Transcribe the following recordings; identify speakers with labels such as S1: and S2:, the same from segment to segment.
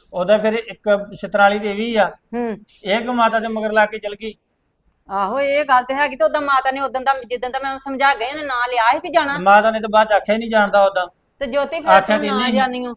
S1: ਉਹਦਾ ਫਿਰ ਇੱਕ ਛਤਰਾਲੀ ਦੇ ਵੀ ਆ।
S2: ਹੂੰ
S1: ਇਹ ਕਿ ਮਾਤਾ ਦੇ ਮਗਰ ਲਾ ਕੇ ਚਲ ਗਈ।
S2: ਆਹੋ ਇਹ ਗੱਲ ਤੇ ਹੈਗੀ ਤੇ ਉਦੋਂ ਮਾਤਾ ਨੇ ਉਦੋਂ ਦਾ ਜਿੱਦਣ ਦਾ ਮੈਂ ਉਹਨੂੰ ਸਮਝਾ ਗਈ ਉਹਨੇ ਨਾਂ ਲਿਆ ਸੀ ਵੀ ਜਾਣਾ।
S1: ਮਾਤਾ ਨੇ ਤਾਂ ਬਾਅਦ ਚ ਆਖਿਆ ਹੀ ਨਹੀਂ ਜਾਣਦਾ ਉਦਾਂ।
S2: ਤੇ ਜੋਤੀ ਫਿਰ
S1: ਆਖਿਆ
S2: ਤੂੰ
S1: ਕਿ
S2: ਨਾ
S1: ਨਹੀਂ।
S2: ਜਾਣੀਓ।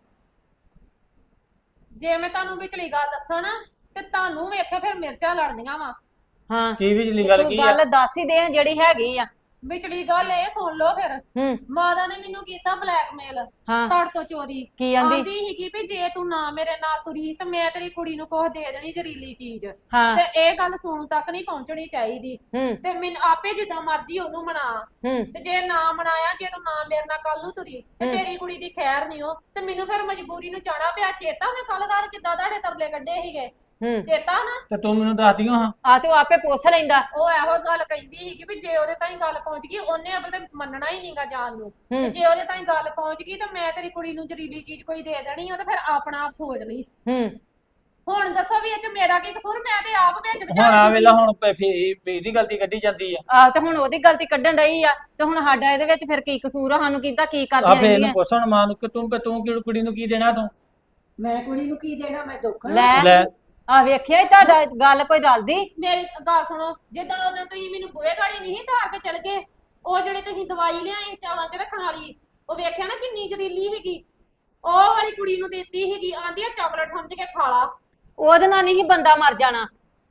S3: ਜੇ ਮੈਂ ਤੁਹਾਨੂੰ ਵਿਚਲੀ ਗੱਲ ਦੱਸਾਂ ਨਾ ਤੇ ਤੁਹਾਨੂੰ ਵੇਖੇ ਫਿਰ ਮਿਰਚਾਂ ਲੜਦੀਆਂ ਵਾ।
S2: ਹਾਂ
S1: ਕੀ ਵਿਚਲੀ ਗੱਲ
S2: ਤੂੰ
S1: ਕੀ ਆ?
S2: ਗੱਲ ਦੱਸ ਹੀ ਦੇ ਜਿਹੜੀ ਹੈਗੀ ਆ।
S3: ਵਿਚਲੀ ਗੱਲ ਇਹ ਸੁਣ ਲਓ ਫਿਰ।
S2: ਹੂੰ
S3: ਮਾਤਾ ਨੇ ਮੈਨੂੰ ਕੀਤਾ ਬਲੈਕਮੇਲ
S2: ਹਾਂ
S3: ਤੜ ਤੋਂ ਚੋਰੀ।
S2: ਕੀ ਆਂਦੀ?
S3: ਆਂਦੀ ਸੀਗੀ ਵੀ ਜੇ ਤੂੰ ਨਾ ਮੇਰੇ ਨਾਲ ਤੁਰੀ ਤੇ ਮੈਂ ਤੇਰੀ ਕੁੜੀ ਨੂੰ ਕੁਝ ਦੇ ਦੇਣੀ ਜ਼ਰੀਲੀ ਚੀਜ਼।
S2: ਹਾਂ
S3: ਤੇ ਇਹ ਗੱਲ ਸੋਨੂੰ ਤੱਕ ਨਹੀਂ ਪਹੁੰਚਣੀ ਚਾਹੀਦੀ।
S2: ਹੂੰ
S3: ਤੇ ਮੈਨੂੰ ਆਪੇ ਜਿੱਦਾਂ ਮਰਜ਼ੀ ਉਹਨੂੰ ਮਨਾ।
S2: ਹੂੰ
S3: ਤੇ ਜੇ ਨਾ ਮਨਾਇਆ, ਜੇ ਤੂੰ ਨਾ ਮੇਰੇ ਨਾਲ ਕੱਲ ਨੂੰ ਤੁਰੀ ਤੇ
S2: ਹੂੰ।
S3: ਤੇਰੀ ਕੁੜੀ ਦੀ ਖੈਰ ਨਹੀਂ ਹੋ। ਤੇ ਮੈਨੂੰ ਫਿਰ ਮਜਬੂਰੀ ਨੂੰ ਜਾਣਾ ਪਿਆ। ਚੇਤਾ ਮੈਂ ਕੱਲ ਰਾਤ ਕਿੱਦਾਂ ਤੁਹਾਡੇ ਤਰਲੇ ਕੱਢੇ ਸੀਗੇ,
S2: ਹੂੰ
S3: ਚੇਤਾ ਨਾ?
S1: ਤੇ ਤੂੰ ਮੈਨੂੰ ਦੱਸਦੀਓ ਹਾਂ।
S2: ਆ ਤੇ ਉਹ ਆਪੇ ਪੁੱਛ ਲੈਂਦਾ।
S3: ਉਹ ਇਹੋ ਗੱਲ ਕਹਿੰਦੀ ਸੀਗੀ ਵੀ ਜੇ ਉਹਦੇ ਤਾਈਂ ਗੱਲ ਪਹੁੰਚ ਗਈ ਉਹਨੇ ਅਬਲ ਤੇ ਮੰਨਣਾ ਹੀ ਨਹੀਂਗਾ ਜਾਣ ਨੂੰ।
S2: ਹੂੰ।
S3: ਤੇ ਜੇ ਉਹਦੇ ਤਾਈਂ ਗੱਲ ਪਹੁੰਚ ਗਈ ਤਾਂ ਮੈਂ ਤੇਰੀ ਕੁੜੀ ਨੂੰ ਜ਼ਰੀਲੀ ਚੀਜ਼ ਕੋਈ ਦੇ ਦੇਣੀ ਆ ਤੇ ਫਿਰ ਆਪਣਾ ਆਪ ਸੋਚ ਲਈ।
S2: ਹੂੰ
S3: ਹੁਣ ਦੱਸੋ ਵੀ ਇਹ ਚ ਮੇਰਾ ਕੀ ਕਸੂਰ? ਮੈਂ ਤੇ ਆਪ ਵਿੱਚ
S1: ਹੁਣ ਆ
S3: ਵਿਚਾਰੀ
S1: ਵੇਲਾ ਹੁਣ ਫੇਰ ਇਹਦੀ ਗਲਤੀ ਕੱਢੀ ਜਾਂਦੀ ਆ।
S2: ਆ ਤੇ ਹੁਣ ਉਹਦੀ ਗਲਤੀ ਕੱਢਣ ਡਈ ਆ ਤੇ ਹੁਣ ਸਾਡਾ ਇਹਦੇ ਵਿੱਚ ਫਿਰ ਕੀ ਕਸੂਰ ਆ? ਸਾਨੂੰ ਕੀਤਾ ਕੀ
S1: ਆ
S2: ਕਰਦੀਆਂ
S1: ਫੇਰ ਇਹਨੂੰ
S2: ਰਹਿੰਦੀਆਂ?
S1: ਪੁੱਛ ਹੁਣ ਮਾਂ ਨੂੰ ਕਿ ਤੂੰ ਕਿ ਕੁੜੀ ਨੂੰ ਕੀ ਦੇਣਾ ਤੂੰ?
S4: ਮੈਂ ਕੁੜੀ ਨੂੰ ਕੀ ਦੇਣਾ? ਮੈਂ ਦੁੱਖ
S2: ਲੈ
S1: ਲੈ
S2: ਆ ਵੇਖਿਆ ਈ ਤੁਹਾਡਾ ਗੱਲ ਕੋਈ ਰਲਦੀ।
S3: ਮੇਰੀ ਗੱਲ ਸੁਣੋ, ਜਿੱਦਣ ਉਦੋਂ ਤੁਸੀਂ ਮੈਨੂੰ ਬੂਹੇ ਗਾੜੀ ਨਹੀਂ ਧਾਰ ਕੇ ਚਲ ਗਏ, ਉਹ ਜਿਹੜੇ ਤੁਸੀਂ ਦਵਾਈ ਲਿਆਏ ਚੌਲਾਂ 'ਚ ਰੱਖਣ ਵਾਲੀ, ਉਹ ਵੇਖਿਆ ਨਾ ਕਿੰਨੀ ਜ਼ਰੀਲੀ ਹੈਗੀ। ਉਹ ਵਾਲੀ ਕੁੜੀ ਨੂੰ ਦਿੱਤੀ ਹੈਗੀ। ਆਂਦੀ ਆ ਚਾਕਲੇਟ ਸਮਝ ਕੇ ਖਾ ਲਾ।
S2: ਉਹਦੇ ਨਾਲ ਨਹੀਂ ਬੰਦਾ ਮਰ ਜਾਣਾ।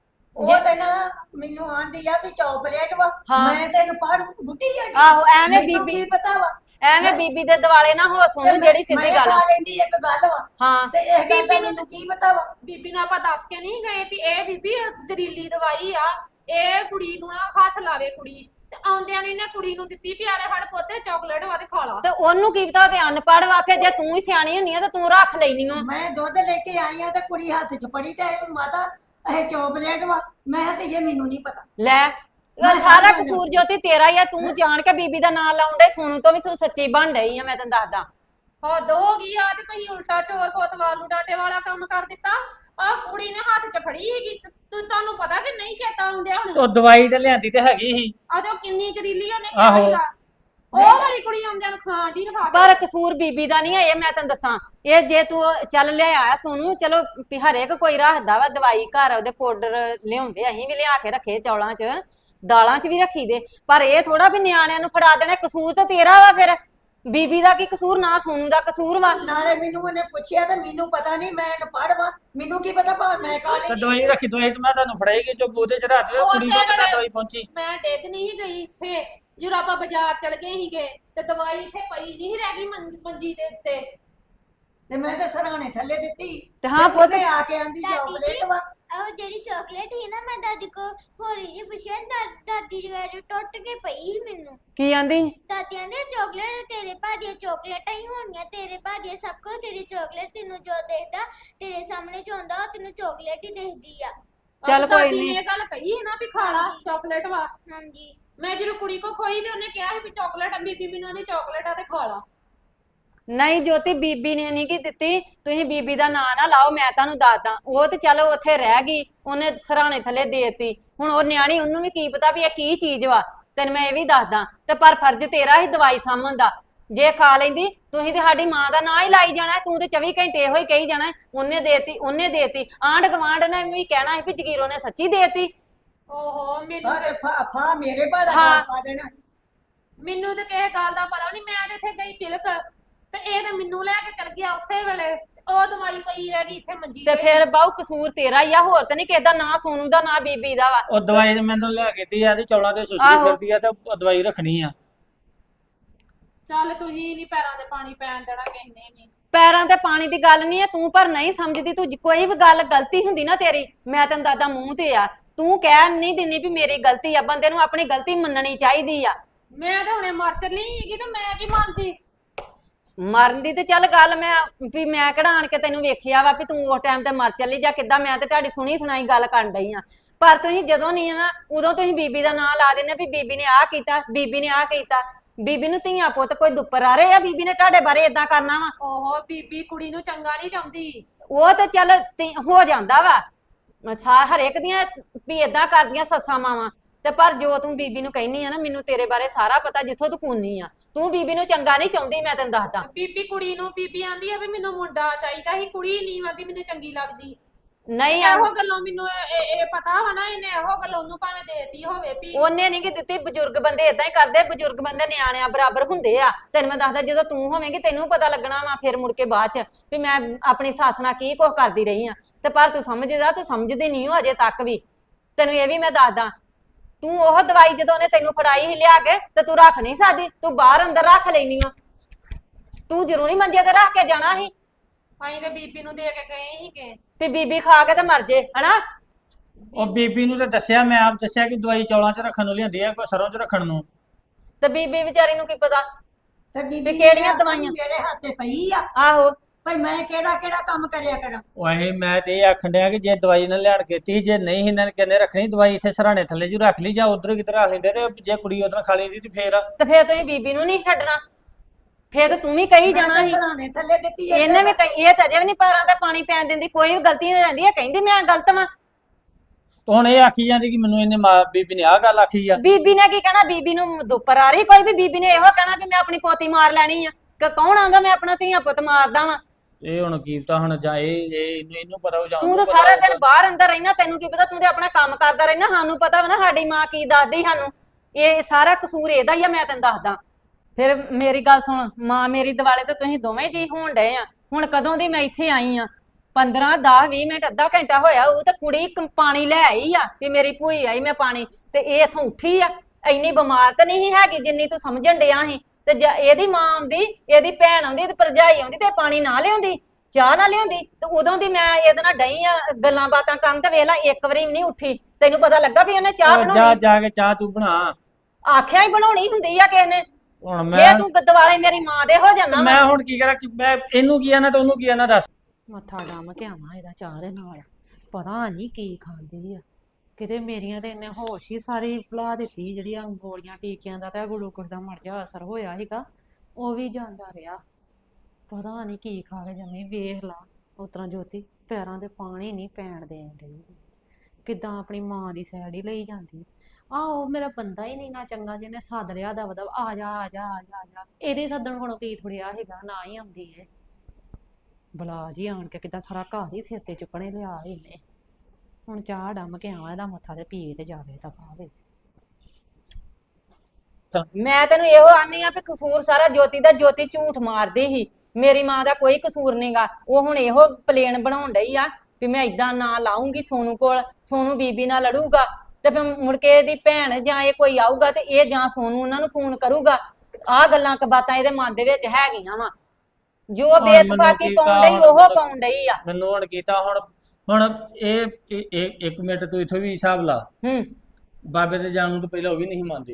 S4: ਉਹ ਤੇ ਨਾ ਮੈਨੂੰ ਆਂਦੀ ਆ ਵੀ ਚਾਕਲੇਟ ਵਾ।
S2: ਹਾਂ।
S4: ਮੈਂ ਤੈਨੂੰ ਪੜ ਬੁੱਢੀ ਆ
S2: ਆਹੋ ਐਵੇਂ
S4: ਮੈਨੂੰ
S2: ਬੀਬੀ
S4: ਕੀ ਪਤਾ ਵਾ?
S2: ਐਵੇਂ ਬੀਬੀ ਦੇ ਦਿਵਾਲੇ ਨਾ ਹੋ ਸੋਨੂੰ ਜਿਹੜੀ ਸਿੱਧੀ ਗੱਲ
S4: ਮੈਂ
S2: ਆ।
S4: ਖਾ ਲੈਂਦੀ ਇੱਕ ਗੱਲ ਵਾ
S2: ਹਾਂ
S4: ਤੇ ਇਹ ਗੱਲ ਦਾ
S3: ਬੀਬੀ ਨੂੰ
S4: ਮੈਨੂੰ ਕੀ ਪਤਾ ਵਾ?
S3: ਬੀਬੀ ਨੂੰ ਆਪਾਂ ਦੱਸ ਕੇ ਨਹੀਂ ਗਏ ਵੀ ਇਹ ਬੀਬੀ ਜ਼ਰੀਲੀ ਦਵਾਈ ਆ, ਇਹ ਕੁੜੀ ਨੂੰ ਨਾ ਹੱਥ ਲਾਵੇ ਕੁੜੀ। ਤੇ ਆਉਂਦਿਆਂ ਨੇ ਇਹਨੇ ਕੁੜੀ ਨੂੰ ਦਿੱਤੀ ਵੀ ਆਲੇ ਫੜ ਪੁੱਤੇ ਚਾਕਲੇਟ ਵਾ ਤੇ ਖਾ ਲਾ।
S2: ਤੇ ਉਹਨੂੰ ਕੀ ਪਤਾ ਤੇ ਅਨਪੜ੍ਹ ਵਾ। ਫਿਰ ਜੇ ਤੂੰ ਹੀ ਸਿਆਣੀ ਹੁੰਨੀ ਆ ਤੇ ਤੂੰ ਰੱਖ ਲੈਣੀ ਓ।
S4: ਮੈਂ ਦੁੱਧ ਲੈ ਕੇ ਆਈ ਆ ਤੇ ਕੁੜੀ ਹੱਥ 'ਚ ਫੜੀ ਤੇ ਇਹ ਮਾਤਾ ਇਹ ਚਾਕਲੇਟ ਵਾ। ਮੈਂ ਤੇ ਇਹ ਮੈਨੂੰ ਨਹੀਂ ਪਤਾ।
S2: ਲੈ ਇਹ ਸਾਰਾ ਕਸੂਰ ਜੋਤੀ ਤੇਰਾ ਹੀ ਆ। ਤੂੰ ਜਾਣ ਕੇ ਬੀਬੀ ਦਾ ਨਾਂ ਲਾਉਣ ਡਈ। ਸੋਨੂੰ ਤੋਂ ਵੀ ਤੂੰ ਸੱਚੀ ਬਣ ਡਈ ਆ। ਮੈਂ ਤੈਨੂੰ ਦੱਸਦਾ
S3: ਹੱਦ ਹੋ ਗਈ ਆ। ਤੇ ਤੁਸੀਂ ਉਲਟਾ ਚੋਰ ਕੋਤਵਾਲ ਨੂੰ ਡਾਟੇ ਵਾਲਾ ਕੰਮ ਕਰ ਦਿੱਤਾ। ਆ ਕੁੜੀ ਨੇ ਹੱਥ 'ਚ ਫੜੀ ਹੈਗੀ। ਤੁਹਾਨੂੰ ਪਤਾ ਕਿ ਨਹੀਂ ਚੇਤਾ ਆਉਂਦਿਆ ਹੁਣ?
S1: ਉਹ ਦਵਾਈ ਤੇ ਲਿਆਂਦੀ ਤੇ ਹੈਗੀ ਸੀ।
S3: ਆ ਤੇ ਉਹ ਕਿੰਨੀ ਜ਼ਰੀਲੀ ਉਹਨੇ
S1: ਆਹੋ।
S3: ਕਿਹਾ ਹੈਗਾ। ਉਹ ਵਾਲੀ ਕੁੜੀ ਆਉਂਦਿਆਂ ਨੂੰ ਖਾਣ ਦੀ ਖਾ ਕੇ।
S2: ਪਰ ਕਸੂਰ ਬੀਬੀ ਦਾ ਨਹੀਂ ਆ ਇਹ। ਮੈਂ ਤੈਨੂੰ ਦੱਸਾਂ ਇਹ ਜੇ ਤੂੰ ਚੱਲ ਲਿਆ ਸੋਨੂੰ, ਚਲੋ ਵੀ ਹਰੇਕ ਕੋਈ ਰੱਖਦਾ ਵਾ ਦਵਾਈ ਘਰ। ਉਹਦੇ ਪਾਊਡਰ ਲਿਆਉਂਦੇ ਅਸੀਂ ਵੀ ਲਿਆ ਕੇ ਰੱਖੇ ਚੌਲਾਂ 'ਚ, ਦਾਲਾਂ 'ਚ ਵੀ ਰੱਖੀ ਦੇ। ਪਰ ਇਹ ਥੋੜਾ ਵੀ ਨਿਆਣਿਆਂ ਨੂੰ ਫੜਾ ਦੇਣਾ। ਕਸੂਰ ਤਾਂ ਤੇਰਾ ਵਾ। ਫਿਰ ਬੀਬੀ ਦਾ ਕੀ ਕਸੂਰ? ਨਾ ਸੋਨੂੰ ਦਾ ਕਸੂਰ ਵਾ।
S4: ਨਾਲੇ ਮੈਨੂੰ ਉਹਨੇ ਪੁੱਛਿਆ ਤੇ ਮੈਨੂੰ ਪਤਾ ਨਹੀਂ। ਮੈਂ ਅਨਪੜ੍ਹ ਵਾ, ਮੈਨੂੰ ਕੀ ਪਤਾ ਭਾਵੇਂ ਮੈਂ ਖਾ
S1: ਤੇ
S4: ਲੈਂਦੀ।
S1: ਦਵਾਈ ਰੱਖੀ, ਦਵਾਈ ਤੇ ਮੈਂ ਤੁਹਾਨੂੰ ਫੜਾਈਗੀ ਜੋ ਉਹਦੇ ਚ ਰੱਖ ਦੇ। ਕੁੜੀ ਕੋਲ ਪਤਾ ਦਵਾਈ ਪਹੁੰਚੀ।
S3: ਮੈਂ ਡਿੱਗ ਨਹੀਂ ਸੀ ਗਈ ਇੱਥੇ ਜਦੋਂ ਆਪਾਂ ਬਾਜ਼ਾਰ ਚਲ ਗਏ ਸੀਗੇ ਤੇ ਦਵਾਈ ਇੱਥੇ ਪਈ ਨਹੀਂ ਸੀ ਰਹਿ ਗਈ ਮੰਜੀ ਦੇ ਉੱਤੇ।
S4: ਤੇ ਮੈਂ ਤੇ ਸਰਾਣੇ ਥੱਲੇ ਦਿੱਤੀ
S2: ਤੇ ਹਾਂ ਪੁੱਤ
S4: ਉਹਨੇ ਆ ਕੇ ਆਂਦੀ ਚਾਕਲੇਟ ਵਾ।
S5: ਉਹ ਜਿਹੜੀ ਚਾਕਲੇਟ ਸੀ ਨਾ, ਮੈਂ ਦਾਦੀ ਕੋ ਹੋਲੀ ਜੀ ਪੁੱਛਿਆ, ਦਾਦੀ ਜੀ ਜੋ ਟੁੱਟ ਕੇ ਪਈ ਸੀ ਮੈਨੂੰ।
S2: ਕੀ ਆਂਦੀ?
S5: ਦਾਦੀ ਆਂਦੇ ਚਾਕਲੇਟ ਤੇਰੇ ਭਾ ਦੀਆਂ ਚਾਕਲੇਟਾਂ ਹੀ ਹੋਣੀਆਂ, ਤੇਰੇ ਭਾ ਦੀਆਂ ਸਭ ਕੁਝ ਤੇਰੀ ਚਾਕਲੇਟ। ਤੈਨੂੰ ਜੋ ਦੇਖਦਾ ਤੇਰੇ ਸਾਹਮਣੇ ਜੋ ਹੁੰਦਾ ਉਹ ਤੈਨੂੰ ਚਾਕਲੇਟ ਹੀ ਦੇਖਦੀ ਆ।
S2: ਚੱਲ ਕੋਈ
S3: ਦਾਦੀ ਨੇ
S2: ਨੀ।
S3: ਇਹ ਗੱਲ ਕਹੀ ਸੀ ਨਾ ਵੀ ਖਾ ਲਾ ਚਾਕਲੇਟ ਵਾ।
S5: ਹਾਂਜੀ
S3: ਮੈਂ ਜਦੋਂ ਕੁੜੀ ਕੋ ਖੋਈ ਤੇ ਉਹਨੇ ਕਿਹਾ ਸੀ ਵੀ ਚਾਕਲੇਟ ਆ। ਬੀਬੀ ਮੈਨੂੰ ਆਂਦੀ ਚਾਕਲੇਟ ਆ ਤੇ ਖਾ ਲਾ।
S2: ਨਹੀਂ ਜੋਤੀ ਬੀਬੀ ਨੇ ਨਹੀਂ ਕੀ ਦਿੱਤੀ। ਤੁਸੀਂ ਬੀਬੀ ਦਾ ਨਾਂ ਨਾ ਲਾਓ। ਮੈਂ ਤੁਹਾਨੂੰ ਦੱਸਦਾ ਉਹ ਤੇ ਚਲੋ ਉੱਥੇ ਰਹਿ ਗਈ। ਉਹਨੇ ਸਰਾਣੇ ਥੱਲੇ ਦੇਤੀ। ਹੁਣ ਉਹ ਨਿਆਣੀ, ਉਹਨੂੰ ਵੀ ਕੀ ਪਤਾ ਵੀ ਇਹ ਕੀ ਚੀਜ਼ ਵਾ। ਤੈਨੂੰ ਮੈਂ ਇਹ ਵੀ ਦੱਸਦਾ। ਤੇ ਪਰ ਫਰਜ਼ ਤੇਰਾ ਹੀ ਦਵਾਈ ਸਾਂਭਣ ਦਾ। ਜੇ ਖਾ ਲੈਂਦੀ ਤੁਸੀਂ ਤੇ ਸਾਡੀ ਮਾਂ ਦਾ ਨਾਂ ਹੀ ਲਾਈ ਜਾਣਾ। ਤੂੰ ਤੇ 24 ਘੰਟੇ ਇਹੋ ਹੀ ਕਹੀ ਜਾਣਾ ਉਹਨੇ ਦੇਤੀ, ਉਹਨੇ ਦੇਤੀ। ਆਂਢ ਗਵਾਂਢ ਨੇ ਵੀ ਕਹਿਣਾ ਸੀ ਵੀ ਜਗੀਰੋ ਨੇ ਸੱਚੀ ਦੇਤੀ।
S3: ਓਹੋ ਮੈਨੂੰ
S4: ਅਰੇ ਫਾ ਮੇਰੇ ਭਾ ਦਾ
S2: ਹਾਂ।
S4: ਗੱਲ ਪਾ ਦੇਣਾ।
S3: ਮੈਨੂੰ ਤੇ ਕਿਸੇ ਗੱਲ ਦਾ ਪਤਾ ਨਹੀਂ। ਮੈਂ ਤੇ ਇੱਥੇ ਗਈ ਤਿਲਕ ਤੇ ਇਹ ਤੇ ਮੈਨੂੰ ਲੈ ਕੇ ਚਲ ਗਿਆ ਉਸੇ ਵੇਲੇ। ਉਹ ਦਵਾਈ ਪਈ ਰਹਿ ਗਈ ਇੱਥੇ ਮੰਜੀ
S2: ਤੇ
S3: ਤੇ।
S2: ਫਿਰ ਬਾਹੂ ਕਸੂਰ ਤੇਰਾ ਹੀ ਆ। ਹੋਰ ਤਾਂ ਨਹੀਂ ਕਿਸੇ ਦਾ। ਨਾਂ ਸੋਨੂੰ ਦਾ, ਨਾਂ ਬੀਬੀ ਦਾ ਵਾ।
S1: ਉਹ ਦਵਾਈ ਤੇ ਮੈਨੂੰ ਲਿਆ ਕੇ ਦਿੱਤੀ ਆ ਤੇ ਚੌਲਾਂ ਤੇ ਸੁਸਰੀ
S2: ਆਹੋ।
S1: ਫਿਰਦੀ ਆ ਤੇ ਉਹ ਦਵਾਈ ਰੱਖਣੀ ਆ।
S3: ਚੱਲ ਤੁਸੀਂ ਨਹੀਂ ਪੈਰਾਂ ਤੇ ਪਾਣੀ ਪੈਣ ਦੇਣਾ ਕਿਸੇ ਨੇ ਵੀ।
S2: ਪੈਰਾਂ ਤੇ ਪਾਣੀ ਦੀ ਗੱਲ ਨਹੀਂ ਹੈ। ਤੂੰ ਪਰ ਨਹੀਂ ਸਮਝਦੀ। ਤੂੰ ਕੋਈ ਵੀ ਗੱਲ ਗਲਤੀ ਹੁੰਦੀ ਨਾ ਤੇਰੀ, ਮੈਂ ਤੈਨੂੰ ਦੱਸਦਾ ਮੂੰਹ ਤੇ ਆ। ਤੂੰ ਕਹਿ ਨਹੀਂ ਦਿੰਦੀ ਵੀ ਮੇਰੀ ਗਲਤੀ ਆ। ਬੰਦੇ ਨੂੰ ਆਪਣੀ ਗਲਤੀ ਮੰਨਣੀ ਚਾਹੀਦੀ ਆ।
S3: ਮੈਂ ਤਾਂ ਹੁਣੇ ਮਰ ਚੱਲੀ ਸੀਗੀ ਤੇ ਮੈਂ ਕੀ ਮੰਨਦੀ।
S2: ਮਰਨ ਦੀ ਤੇ ਚੱਲ ਗੱਲ ਮੈਂ ਵੀ ਮੈਂ ਕਿਹੜਾ ਆਣ ਕੇ ਤੈਨੂੰ ਵੇਖਿਆ ਵਾ ਵੀ ਤੂੰ ਉਸ ਟਾਈਮ ਤੇ ਮਰ ਚੱਲੀ ਜਾਂ ਕਿੱਦਾਂ। ਮੈਂ ਤੇ ਤੁਹਾਡੀ ਸੁਣੀ ਸੁਣਾਈ ਗੱਲ ਕਰਨ ਡਈ ਆ। ਪਰ ਤੁਸੀਂ ਜਦੋਂ ਨਹੀਂ ਨਾ ਉਦੋਂ ਤੁਸੀਂ ਬੀਬੀ ਦਾ ਨਾਂ ਲਾ ਦਿੰਦੇ ਵੀ ਬੀਬੀ ਨੇ ਆਹ ਕੀਤਾ, ਬੀਬੀ ਨੇ ਆਹ ਕੀਤਾ। ਬੀਬੀ ਨੂੰ ਧੀਆਂ ਪੁੱਤ ਕੋਈ ਦੁੱਪਰ ਆ ਰਹੇ ਆ? ਬੀਬੀ ਨੇ ਤੁਹਾਡੇ ਬਾਰੇ ਇਦਾਂ ਕਰਨਾ ਵਾ?
S3: ਓਹੋ ਬੀਬੀ ਕੁੜੀ ਨੂੰ ਚੰਗਾ ਨਹੀਂ ਚਾਹੁੰਦੀ।
S2: ਉਹ ਤੇ ਚੱਲ ਹੋ ਜਾਂਦਾ ਵਾ ਹਰੇਕ ਦੀਆਂ ਵੀ ਇਦਾਂ ਕਰਦੀਆਂ ਸੱਸਾਂ ਮਾਵਾਂ। ਤੇ ਪਰ ਜੋ ਤੂੰ ਬੀਬੀ ਨੂੰ ਕਹਿਨੀ ਆ ਨਾ, ਮੈਨੂੰ ਤੇਰੇ ਬਾਰੇ ਸਾਰਾ ਪਤਾ, ਜਿੱਥੋਂ ਤੂੰ ਕੂਨੀ ਆ। ਤੂੰ ਬੀਬੀ ਨੂੰ ਚੰਗਾ ਨਹੀਂ ਚਾਹੁੰਦੀ, ਮੈਂ ਤੈਨੂੰ ਦੱਸਦਾ।
S3: ਬੀਬੀ ਕੁੜੀ ਨੂੰ ਬੀਬੀ ਆਂਦੀ ਆ ਵੀ ਮੈਨੂੰ ਮੁੰਡਾ ਚਾਹੀਦਾ ਸੀ, ਕੁੜੀ ਨਹੀਂ ਆਂਦੀ ਮੈਨੂੰ ਚੰਗੀ ਲੱਗਦੀ।
S2: ਨਹੀਂ
S3: ਇਹੋ ਗੱਲੋਂ ਮੈਨੂੰ ਇਹ ਪਤਾ ਵਾ ਨਾ, ਇਹਨੇ ਇਹੋ ਗੱਲ ਉਹਨੂੰ ਭਾਵੇਂ ਦੇਤੀ ਹੋਵੇ ਵੀ
S2: ਉਹਨੇ ਨਹੀਂ ਕਿ ਦਿੱਤੀ। ਬਜ਼ੁਰਗ ਬੰਦੇ ਇਦਾਂ ਹੀ ਕਰਦੇ, ਬਜ਼ੁਰਗ ਬੰਦੇ ਨਿਆਣਿਆਂ ਬਰਾਬਰ ਹੁੰਦੇ ਆ। ਤੈਨੂੰ ਮੈਂ ਦੱਸਦਾ, ਜਦੋਂ ਤੂੰ ਹੋਵੇਂਗੀ ਤੈਨੂੰ ਪਤਾ ਲੱਗਣਾ ਵਾ ਫਿਰ ਮੁੜ ਕੇ ਬਾਅਦ ਚ ਵੀ ਮੈਂ ਆਪਣੀ ਸੱਸ ਨਾਲ ਕੀ ਕੁਝ ਕਰਦੀ ਰਹੀ ਆ। ਤੇ ਪਰ ਤੂੰ ਸਮਝਦਾ, ਤੂੰ ਸਮਝਦੀ ਨਹੀਂ ਹੋ ਅਜੇ ਤੱਕ ਵੀ। ਤੈਨੂੰ ਇਹ ਵੀ ਮੈਂ ਦੱਸਦਾ, ਤੂੰ ਉਹ ਦਵਾਈ ਜਦੋਂ ਉਹਨੇ ਤੈਨੂੰ ਫੜਾਈ ਸੀ ਲਿਆ ਕੇ, ਤੇ ਤੂੰ ਰੱਖ ਨਹੀਂ ਸਕਦੀ, ਤੂੰ ਬਾਹਰ ਅੰਦਰ ਰੱਖ ਲੈਨੀ ਆ। ਤੂੰ ਜ਼ਰੂਰੀ ਮੰਜੇ ਤੇ ਰੱਖ ਕੇ ਜਾਣਾ ਸੀ।
S3: ਅਸੀਂ ਤੇ ਬੀਬੀ ਨੂੰ ਦੇ ਕੇ ਗਏ ਸੀਗੇ
S2: ਵੀ ਬੀਬੀ ਖਾ ਕੇ ਤੇ ਮਰ ਜੇ, ਹਨਾ।
S1: ਉਹ ਬੀਬੀ ਨੂੰ ਤਾਂ ਦੱਸਿਆ, ਮੈਂ ਆਪ ਦੱਸਿਆ ਕਿ ਦਵਾਈ ਚੌਲਾਂ 'ਚ ਰੱਖਣ ਨੂੰ ਲਿਆਂਦੀ ਆ, ਕੋਈ ਸਰੋਂ 'ਚ ਰੱਖਣ ਨੂੰ।
S2: ਤੇ ਬੀਬੀ ਵਿਚਾਰੀ ਨੂੰ ਕੀ ਪਤਾ
S4: ਤੇ
S2: ਵੀ
S4: ਬੀਬੀ
S2: ਕਿਹੜੀਆਂ ਦਵਾਈਆਂ
S4: ਮੇਰੇ ਹੱਥੇ ਪਈ ਆ,
S2: ਆਹੋ।
S4: ਭਈ ਮੈਂ ਕਿਹੜਾ ਕਿਹੜਾ ਕੰਮ ਕਰਿਆ ਕਰਾਂ।
S1: ਉਹ ਮੈਂ ਤੇ ਇਹ ਆਖਣ ਡਿਆ ਕਿ ਜੇ ਦਵਾਈ ਨਾ ਲਿਆਣ ਕੇ ਤੀ, ਜੇ ਨਹੀਂ ਇਹਨਾਂ ਨੇ ਕਹਿੰਦੇ ਰੱਖਣੀ ਦਵਾਈ ਇੱਥੇ ਸਰਾਣੇ ਥੱਲੇ ਜੂ ਰੱਖ ਲਈ, ਜਾਂ ਉਧਰ ਕਿਤੇ ਰੱਖ ਲੈਂਦੇ, ਤੇ ਜੇ ਕੁੜੀ ਉਧਰ ਖਾ ਲੈਂਦੀ ਤੇ ਫੇਰ
S2: ਤੇ ਫੇਰ ਤੁਸੀਂ ਬੀਬੀ ਨੂੰ ਨਹੀਂ ਛੱਡਣਾ, ਫੇਰ ਤੂੰ ਵੀ ਕਹੀ ਜਾਣਾ ਸੀ।
S4: ਸਰਾਣੇ ਥੱਲੇ ਦਿੱਤੀ
S2: ਇਹਨੇ ਵੀ ਇਹ ਤਾਂ ਅਜੇ ਵੀ ਨਹੀਂ ਪੈਰਾਂ ਤੇ ਪਾਣੀ ਪੈਣ ਦਿੰਦੀ, ਕੋਈ ਵੀ ਗਲਤੀ ਹੋ ਜਾਂਦੀ ਹੈ ਕਹਿੰਦੀ ਮੈਂ ਗਲਤ ਵਾਂ।
S1: ਹੁਣ ਇਹ ਆਖੀ ਜਾਂਦੀ ਕਿ ਮੈਨੂੰ ਇਹਨੇ ਬੀਬੀ ਨੇ ਆਹ ਗੱਲ ਆਖੀ ਆ।
S2: ਬੀਬੀ ਨੇ ਕੀ ਕਹਿਣਾ, ਬੀਬੀ ਨੂੰ ਦੁੱਪਰ ਆ ਰਹੀ ਕੋਈ ਵੀ। ਬੀਬੀ ਨੇ ਇਹੋ ਕਹਿਣਾ ਵੀ ਮੈਂ ਆਪਣੀ ਪੋਤੀ ਮਾਰ ਲੈਣੀ ਆ, ਕਿ ਕੌਣ ਆਂਦਾ ਮੈਂ ਆਪਣਾ ਧੀਆ ਪੁੱਤ ਮਾਰਦਾ ਵਾਂ।
S1: ਇਹ ਹੁਣ ਕੀ ਪਤਾ ਹੁਣ, ਜਾਂ ਇਹਨੂੰ ਪਤਾ ਹੋ ਜਾਂ
S2: ਤੂੰ ਤਾਂ ਸਾਰਾ ਦਿਨ ਬਾਹਰ ਅੰਦਰ ਰਹਿਣਾ, ਤੈਨੂੰ ਕੀ ਪਤਾ, ਤੂੰ ਤੇ ਆਪਣਾ ਕੰਮ ਕਰਦਾ ਰਹਿਣਾ। ਸਾਨੂੰ ਪਤਾ ਵਾ ਨਾ ਸਾਡੀ ਮਾਂ ਕੀ ਦੱਸਦੀ ਸਾਨੂੰ, ਇਹ ਸਾਰਾ ਕਸੂਰ ਇਹਦਾ ਹੀ ਆ, ਮੈਂ ਤੈਨੂੰ ਦੱਸਦਾ। ਫਿਰ ਮੇਰੀ ਗੱਲ ਸੁਣ, ਮਾਂ ਮੇਰੀ ਦਿਵਾਲੇ ਤੇ ਤੁਸੀਂ ਦੋਵੇਂ ਜੀ ਹੋਣ ਡਏ ਆ। ਹੁਣ ਕਦੋਂ ਦੀ ਮੈਂ ਇੱਥੇ ਆਈ ਆ, 15 10 20 ਮਿੰਟ ਅੱਧਾ ਘੰਟਾ ਹੋਇਆ ਉਹ ਤੇ ਕੁੜੀ ਪਾਣੀ ਲੈ ਆਈ ਆ ਵੀ ਮੇਰੀ ਭੂਈ ਆਈ ਮੈਂ ਪਾਣੀ, ਤੇ ਇਹ ਇਥੋਂ ਉੱਠੀ ਆ। ਇੰਨੀ ਬਿਮਾਰ ਤਾਂ ਨਹੀਂ ਹੈਗੀ ਜਿੰਨੀ ਤੂੰ ਸਮਝਣ ਡਿਆ ਸੀ। ਤੇ ਇਹਦੀ ਮਾਂ ਆਉਂਦੀ, ਇਹਦੀ ਭੈਣ ਆਉਂਦੀ, ਤੇ ਭਰਜਾਈ ਆਉਂਦੀ, ਤੇ ਪਾਣੀ ਨਾ ਲਿਆਉਂਦੀ, ਚਾਹ ਨਾ ਲਿਆਉਂਦੀ। ਤੇ ਉਦੋਂ ਦੀ ਮੈਂ ਇਹਦੇ ਨਾਲ ਡਈ ਆ ਗੱਲਾਂ ਬਾਤਾਂ ਕਰਨ, ਤੇ ਵੇਖ ਲਾ ਇੱਕ ਵਾਰੀ ਵੀ ਨਹੀਂ ਉੱਠੀ। ਤੈਨੂੰ ਪਤਾ ਲੱਗਾ ਵੀ ਉਹਨੇ ਚਾਹ ਬਣਾਉਣੀ?
S1: ਜਾ ਕੇ ਚਾਹ ਤੂੰ ਬਣਾ,
S2: ਆਖਿਆ ਹੀ ਬਣਾਉਣੀ ਹੁੰਦੀ ਆ ਕਿਸੇ ਨੇ।
S1: ਹੁਣ
S2: ਫੇਰ ਤੂੰ ਦਿਵਾਲੇ ਮੇਰੀ ਮਾਂ ਦੇ ਹੋ ਜਾਣਾ।
S1: ਮੈਂ ਹੁਣ ਕੀ ਕਰਾਂ, ਮੈਂ ਇਹਨੂੰ ਕੀ ਆਣਾ ਤੇ ਉਹਨੂੰ ਕੀ ਆਣਾ, ਦੱਸ।
S3: ਮੱਥਾ ਡੰਮ ਕੇ ਆਵਾਂ ਇਹਦਾ ਚਾਹ ਦੇ ਨਾਲ, ਪਤਾ ਨਹੀਂ ਕੀ ਖਾਂਦੀ ਆ। ਕਿਤੇ ਮੇਰੀਆਂ ਤੇ ਇਹਨੇ ਹੋਸ਼ ਹੀ ਸਾਰੀ ਭੁਲਾ ਦਿੱਤੀ, ਜਿਹੜੀਆਂ ਗੋਲੀਆਂ ਟੀਕਿਆਂ ਦਾ ਤੇ ਗਲੂਕੋਸ ਦਾ ਮਰ ਜਾ ਅਸਰ ਹੋਇਆ ਸੀਗਾ, ਉਹ ਵੀ ਜਾਂਦਾ ਰਿਹਾ। ਪਤਾ ਨਹੀਂ ਕੀ ਖਾ ਕੇ ਜੰਮੀ। ਵੇਖ ਲਾ ਉਸ ਤਰ੍ਹਾਂ ਜੋਤੀ ਪੈਰਾਂ ਤੇ ਪਾਣੀ ਨਹੀਂ ਪੈਣ ਦੇਣ ਡਈ, ਕਿੱਦਾਂ ਆਪਣੀ ਮਾਂ ਦੀ ਸਾਈਡ ਹੀ ਲਈ ਜਾਂਦੀ। ਆਹੋ ਮੇਰਾ ਬੰਦਾ ਹੀ ਨਹੀਂ ਨਾ ਚੰਗਾ, ਜਿਹਨੇ ਸੱਦ ਲਿਆ ਦਬ ਦਬ ਆ ਜਾ ਆ ਜਾ ਆ ਜਾ ਆ ਜਾ। ਇਹਦੇ ਸੱਦਣ ਕੋਲੋਂ ਕੀ ਥੋੜਿਆ ਹੈਗਾ, ਨਾ ਹੀ ਆਉਂਦੀ ਹੈ। ਬਲਾ ਜੀ ਆਣ ਕੇ ਕਿੱਦਾਂ ਸਾਰਾ ਘਰ ਹੀ ਸਿਰ ਤੇ ਚੁੱਕਣੇ ਲਿਆ ਇਹਨੇ। ਹੁਣ ਚਾਹ ਡੰਮ ਕੇ ਆਵਾਂ ਇਹਦਾ ਮੱਥਾ ਤੇ ਪੀ ਤੇ ਜਾਵੇ ਤਾਂ ਪਾਵੇ।
S2: ਮੈਂ ਤੈਨੂੰ ਇਹੋ ਆਨੀ ਆ ਵੀ ਕਸੂਰ ਸਾਰਾ ਜੋਤੀ ਦਾ। ਜੋਤੀ ਝੂਠ ਮਾਰਦੀ ਸੀ, ਮੇਰੀ ਮਾਂ ਦਾ ਕੋਈ ਕਸੂਰ ਨਹੀਂਗਾ। ਉਹ ਹੁਣ ਇਹੋ ਪਲੇਨ ਬਣਾਉਣ ਡਈ ਆ ਵੀ ਮੈਂ ਇਦਾਂ ਨਾ ਲਾਉਂਗੀ ਸੋਨੂ ਕੋਲ, ਸੋਨੂ ਬੀਬੀ ਨਾਲ ਲੜੂਗਾ, ਤੇ ਫਿਰ ਮੁੜ ਕੇ ਇਹਦੀ ਭੈਣ ਜਾਂ ਇਹ ਕੋਈ ਆਊਗਾ ਤੇ ਇਹ ਜਾਂ ਸੋਨੂ ਉਹਨਾਂ ਨੂੰ ਫੋਨ ਕਰੂਗਾ। ਆਹ ਗੱਲਾਂ ਕਬਾਤਾਂ ਇਹਦੇ ਮਨ ਦੇ ਵਿੱਚ ਹੈਗੀਆਂ ਵਾ। ਜੋ ਬੇਤਫਾਕੀ ਪਾਉਣ ਡਈ ਉਹ ਪਾਉਣ ਡਈ ਆ।
S1: ਮੈਨੂੰ ਹੁਣ ਕੀਤਾ ਹੁਣ ਇਹ 1 ਮਿੰਟ ਤੂੰ ਇਥੋਂ ਵੀ ਹਿਸਾਬ ਲਾ। ਬਾਬੇ ਦੇ ਜਾਣ ਨੂੰ ਤਾਂ ਪਹਿਲਾਂ ਉਹ ਵੀ ਨਹੀਂ ਮੰਨਦੀ।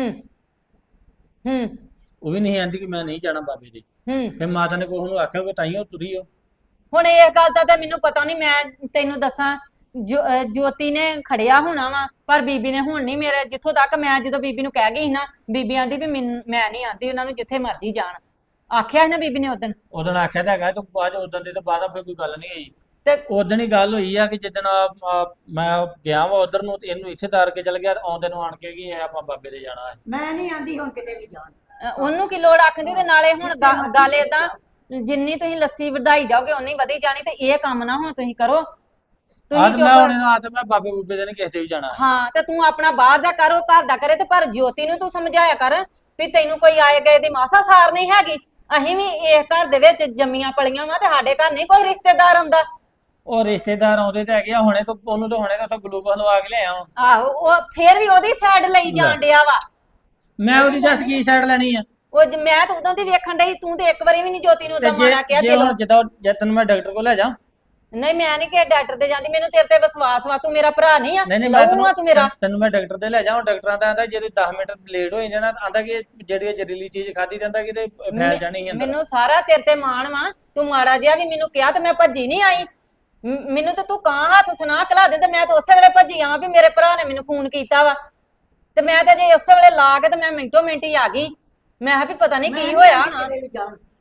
S1: ਉਹ ਵੀ ਨਹੀਂ ਆਂਦੀ ਕਿ ਮੈਂ ਨਹੀਂ ਜਾਣਾ ਬਾਬੇ ਦੇ। ਫਿਰ ਮਾਤਾ ਨੇ ਕੋਹ ਨੂੰ ਆਖਿਆ ਕਿ ਤਾਈਓ ਤੁਰੀ ਹੋ।
S2: ਹੁਣ ਇਹ ਗੱਲ ਦਾ ਤਾਂ ਮੈਨੂੰ ਪਤਾ ਨਹੀਂ, ਮੈਂ ਤੈਨੂੰ ਦੱਸਾਂ ਜੋਤੀ ਨੇ ਖੜਿਆ ਹੋਣਾ ਵਾ, ਪਰ ਬੀਬੀ ਨੇ ਹੁਣ ਨਹੀਂ। ਮੇਰੇ ਜਿੱਥੋਂ ਤੱਕ ਮੈਂ ਜਦੋਂ ਬੀਬੀ ਨੂੰ ਕਹਿ ਗਈ ਨਾ, ਬੀਬੀ ਆਂਦੀ ਵੀ ਮੈਂ ਨਹੀਂ ਆਂਦੀ, ਉਹਨਾਂ ਨੂੰ ਜਿੱਥੇ ਮਰਜ਼ੀ ਜਾਣ। ਆਖਿਆ ਸੀ ਨਾ ਬੀਬੀ ਨੇ ਉਦਣ
S1: ਆਖਿਆ ਤਾਂ ਹੈਗਾ, ਤੂੰ ਬਾਅਦ ਉਦੋਂ ਦੇ ਤਾਂ ਬਾਅਦ ਫਿਰ ਕੋਈ ਗੱਲ ਨਹੀਂ ਹੋਈ।
S2: ਤੇ
S1: ਉਦੋਂ ਹੀ ਗੱਲ ਹੋਈ ਆ ਕਿ ਜਿੱਦਣ ਮੈਂ ਗਿਆ ਵਾ ਉਧਰ ਨੂੰ, ਇਹਨੂੰ ਇੱਥੇ ਤਾਰ ਕੇ ਚਲ ਗਿਆ, ਆਉਂਦੇ ਨੂੰ ਆਣ ਕੇ ਕਿ ਆਪਾਂ ਬਾਬੇ ਦੇ ਜਾਣਾ ਹੈ।
S4: ਮੈਂ ਨਹੀਂ ਆਂਦੀ ਹੁਣ ਕਿਤੇ ਵੀ ਜਾਣ।
S2: ਉਹਨੂੰ ਕੀ ਲੋੜ ਆਖਦੀ। ਤੇ ਨਾਲੇ ਹੁਣ ਗੱਲ ਏਦਾਂ, ਜਿੰਨੀ ਤੁਸੀਂ ਲੱਸੀ ਵਧਾਈ ਜਾਓਗੇ ਉਨੀ ਵਧੀ ਜਾਣੀ। ਤੇ ਇਹ ਕੰਮ ਨਾ ਹੁਣ ਤੁਸੀਂ ਕਰੋ। ਤੁਸੀਂ
S1: ਮੈਂ ਬਾਬੇ ਬੂਬੇ ਦੇ ਨਹੀਂ ਕਿਸੇ ਤੇ ਵੀ ਜਾਣਾ।
S2: ਹਾਂ, ਤੇ ਤੂੰ ਆਪਣਾ ਬਾਹਰ ਦਾ ਕਰੋ, ਘਰ ਦਾ ਕਰੇ। ਤੇ ਪਰ ਜੋਤੀ ਨੂੰ ਤੂੰ ਸਮਝਾਇਆ ਕਰ ਵੀ ਤੈਨੂੰ ਕੋਈ ਆਏ ਗਏ ਦੀ ਮਾਸਾ ਸਾਰ ਨਹੀਂ ਹੈਗੀ। ਅਸੀਂ ਵੀ ਇਸ ਘਰ ਦੇ ਵਿੱਚ ਜੰਮੀਆਂ ਪਲੀਆਂ ਵਾ, ਤੇ ਸਾਡੇ ਘਰ ਨਹੀਂ ਕੋਈ ਰਿਸ਼ਤੇਦਾਰ ਆਉਂਦਾ।
S1: ਉਹ ਰਿਸ਼ਤੇਦਾਰ ਆਉਂਦੇ ਤਾਂ ਹੈਗੇ ਆ, ਹੁਣੇ ਤੋਂ ਉਹਨੂੰ ਤਾਂ ਹੁਣੇ ਤਾਂ ਗਲੂਕੋਸ ਲਵਾ ਕੇ ਲਿਆਇਆ ਵਾ।
S2: ਆਹੋ, ਉਹ ਫੇਰ ਵੀ ਉਹਦੀ ਸਾਈਡ ਲਈ ਜਾਣ ਡਿਆ ਵਾ।
S1: ਮੈਂ ਉਹਦੀ ਦੱਸ ਕੀ ਸਾਈਡ ਲੈਣੀ ਆ?
S2: ਉਹ ਮੈਂ ਤਾਂ ਉਦੋਂ ਦੀ ਵੇਖਣ ਡਈ, ਤੂੰ ਤੇ ਇੱਕ ਵਾਰੀ ਵੀ ਨਹੀਂ ਜੋਤੀ ਨੂੰ ਉਦਾਂ ਮਾਣਾ ਕਿਹਾ ਦਿਲੋਂ।
S1: ਜੇ ਤੈਨੂੰ ਮੈਂ ਡਾਕਟਰ ਕੋਲ ਲੈ ਜਾ।
S2: ਨਹੀਂ, ਮੈਂ ਨਹੀਂ ਕਿ ਡਾਕਟਰ ਦੇ ਜਾਂਦੀ, ਮੈਨੂੰ ਤੇਰੇ ਤੇ ਵਿਸ਼ਵਾਸ ਵਾ। ਤੂੰ ਮੇਰਾ ਭਰਾ ਨਹੀਂ ਆ, ਤੂੰ ਮੇਰਾ।
S1: ਤੈਨੂੰ ਮੈਂ ਡਾਕਟਰ ਦੇ ਲੈ ਜਾਵਾਂ। ਡਾਕਟਰਾਂ ਦਾ ਆਂਦਾ ਜੇ 10 ਮਿੰਟ ਲੇਟ ਹੋ ਜਾਂਦਾ, ਆਂਦਾ ਕਿ ਜਿਹੜੀ ਜ਼ਹਿਰੀਲੀ ਚੀਜ਼ ਖਾਦੀ ਜਾਂਦਾ ਕਿਤੇ ਫੈਲ ਜਾਣੀ ਹੈ।
S2: ਮੈਨੂੰ ਸਾਰਾ ਤੇਰੇ ਤੇ ਮਾਣ ਵਾ। ਤੂੰ ਮਾੜਾ ਜਿਹਾ ਵੀ ਮੈਨੂੰ ਕਿਹਾ ਤੇ ਮੈਂ ਭੱਜੀ ਨਹੀਂ ਆਈ। ਮੈਨੂੰ ਤਾਂ ਤੂੰ ਕਾਂ ਹੱਥ ਸੁਣਾ ਖਲਾ ਦੇ, ਤੇ ਮੈਂ ਤਾਂ ਉਸੇ ਵੇਲੇ ਭੱਜੀ ਆਵਾਂ ਵੀ ਮੇਰੇ ਭਰਾ ਨੇ ਮੈਨੂੰ ਫੋਨ ਕੀਤਾ ਵਾ। ਤੇ ਮੈਂ ਤਾਂ ਜੇ ਉਸੇ ਵੇਲੇ ਲਾ ਕੇ ਤੇ ਮੈਂ ਮਿੰਟੋ ਮਿੰਟ ਹੀ ਆ ਗਈ। ਮੈਂ ਕਿਹਾ ਵੀ ਪਤਾ ਨਹੀਂ ਕੀ ਹੋਇਆ ਨਾ।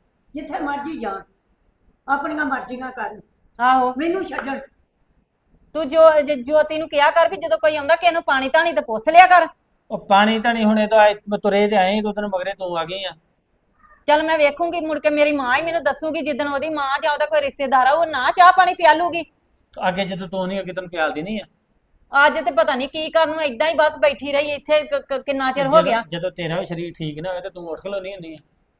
S4: ਜਿੱਥੇ ਮਰਜ਼ੀ ਜਾਣ, ਆਪਣੀਆਂ ਮਰਜ਼ੀਆਂ ਕਰਨ,
S2: ਆਹੋ
S4: ਮੈਨੂੰ ਛੱਡਣ।
S2: ਤੂੰ ਜੋਤੀ ਨੂੰ ਕਿਹਾ ਕਰ ਵੀ ਜਦੋਂ ਕੋਈ ਆਉਂਦਾ ਕਿਸੇ ਨੂੰ ਪਾਣੀ ਧਾਣੀ ਤੇ ਪੁੱਛ ਲਿਆ ਕਰ।
S1: ਉਹ ਪਾਣੀ ਤਾਂ ਨਹੀਂ ਹੁਣੇ ਤਾਂ ਤੁਰੇ ਤੇ ਆਏ ਦੋ ਦਿਨ ਮਗਰੇ ਤੂੰ ਆ ਗਈ ਆ।
S2: ਚੱਲ ਮੈਂ ਵੇਖੂੰਗੀ ਮੁੜ ਕੇ ਮੇਰੀ ਮਾਂ ਹੀ ਮੈਨੂੰ ਦੱਸੂਗੀ ਜਿੱਦਣ ਉਹਦੀ ਮਾਂ ਜਾਂ ਉਹਦਾ ਕੋਈ ਰਿਸ਼ਤੇਦਾਰ ਆ ਉਹ ਨਾ ਚਾਹ ਪਾਣੀ ਪਿਆਲੂਗੀ।
S1: ਅੱਗੇ ਜਦੋਂ ਤੂੰ ਨਹੀਂ ਅੱਗੇ ਤੈਨੂੰ ਪਿਆਲਦੀ ਨਹੀਂ ਆ।
S2: ਅੱਜ ਤੇ ਪਤਾ ਨਹੀਂ ਕੀ ਕਰਨ ਨੂੰ ਏਦਾਂ ਹੀ ਬਸ ਬੈਠੀ ਰਹੀ ਇੱਥੇ ਕਿੰਨਾ ਚਿਰ ਹੋ ਗਿਆ।
S1: ਜਦੋਂ ਤੇਰਾ ਵੀ ਸਰੀਰ ਠੀਕ ਨਾ ਹੋਵੇ ਤੇ ਤੂੰ ਉੱਠ ਖਲੋਣੀ ਹੁੰਦੀ ਆ।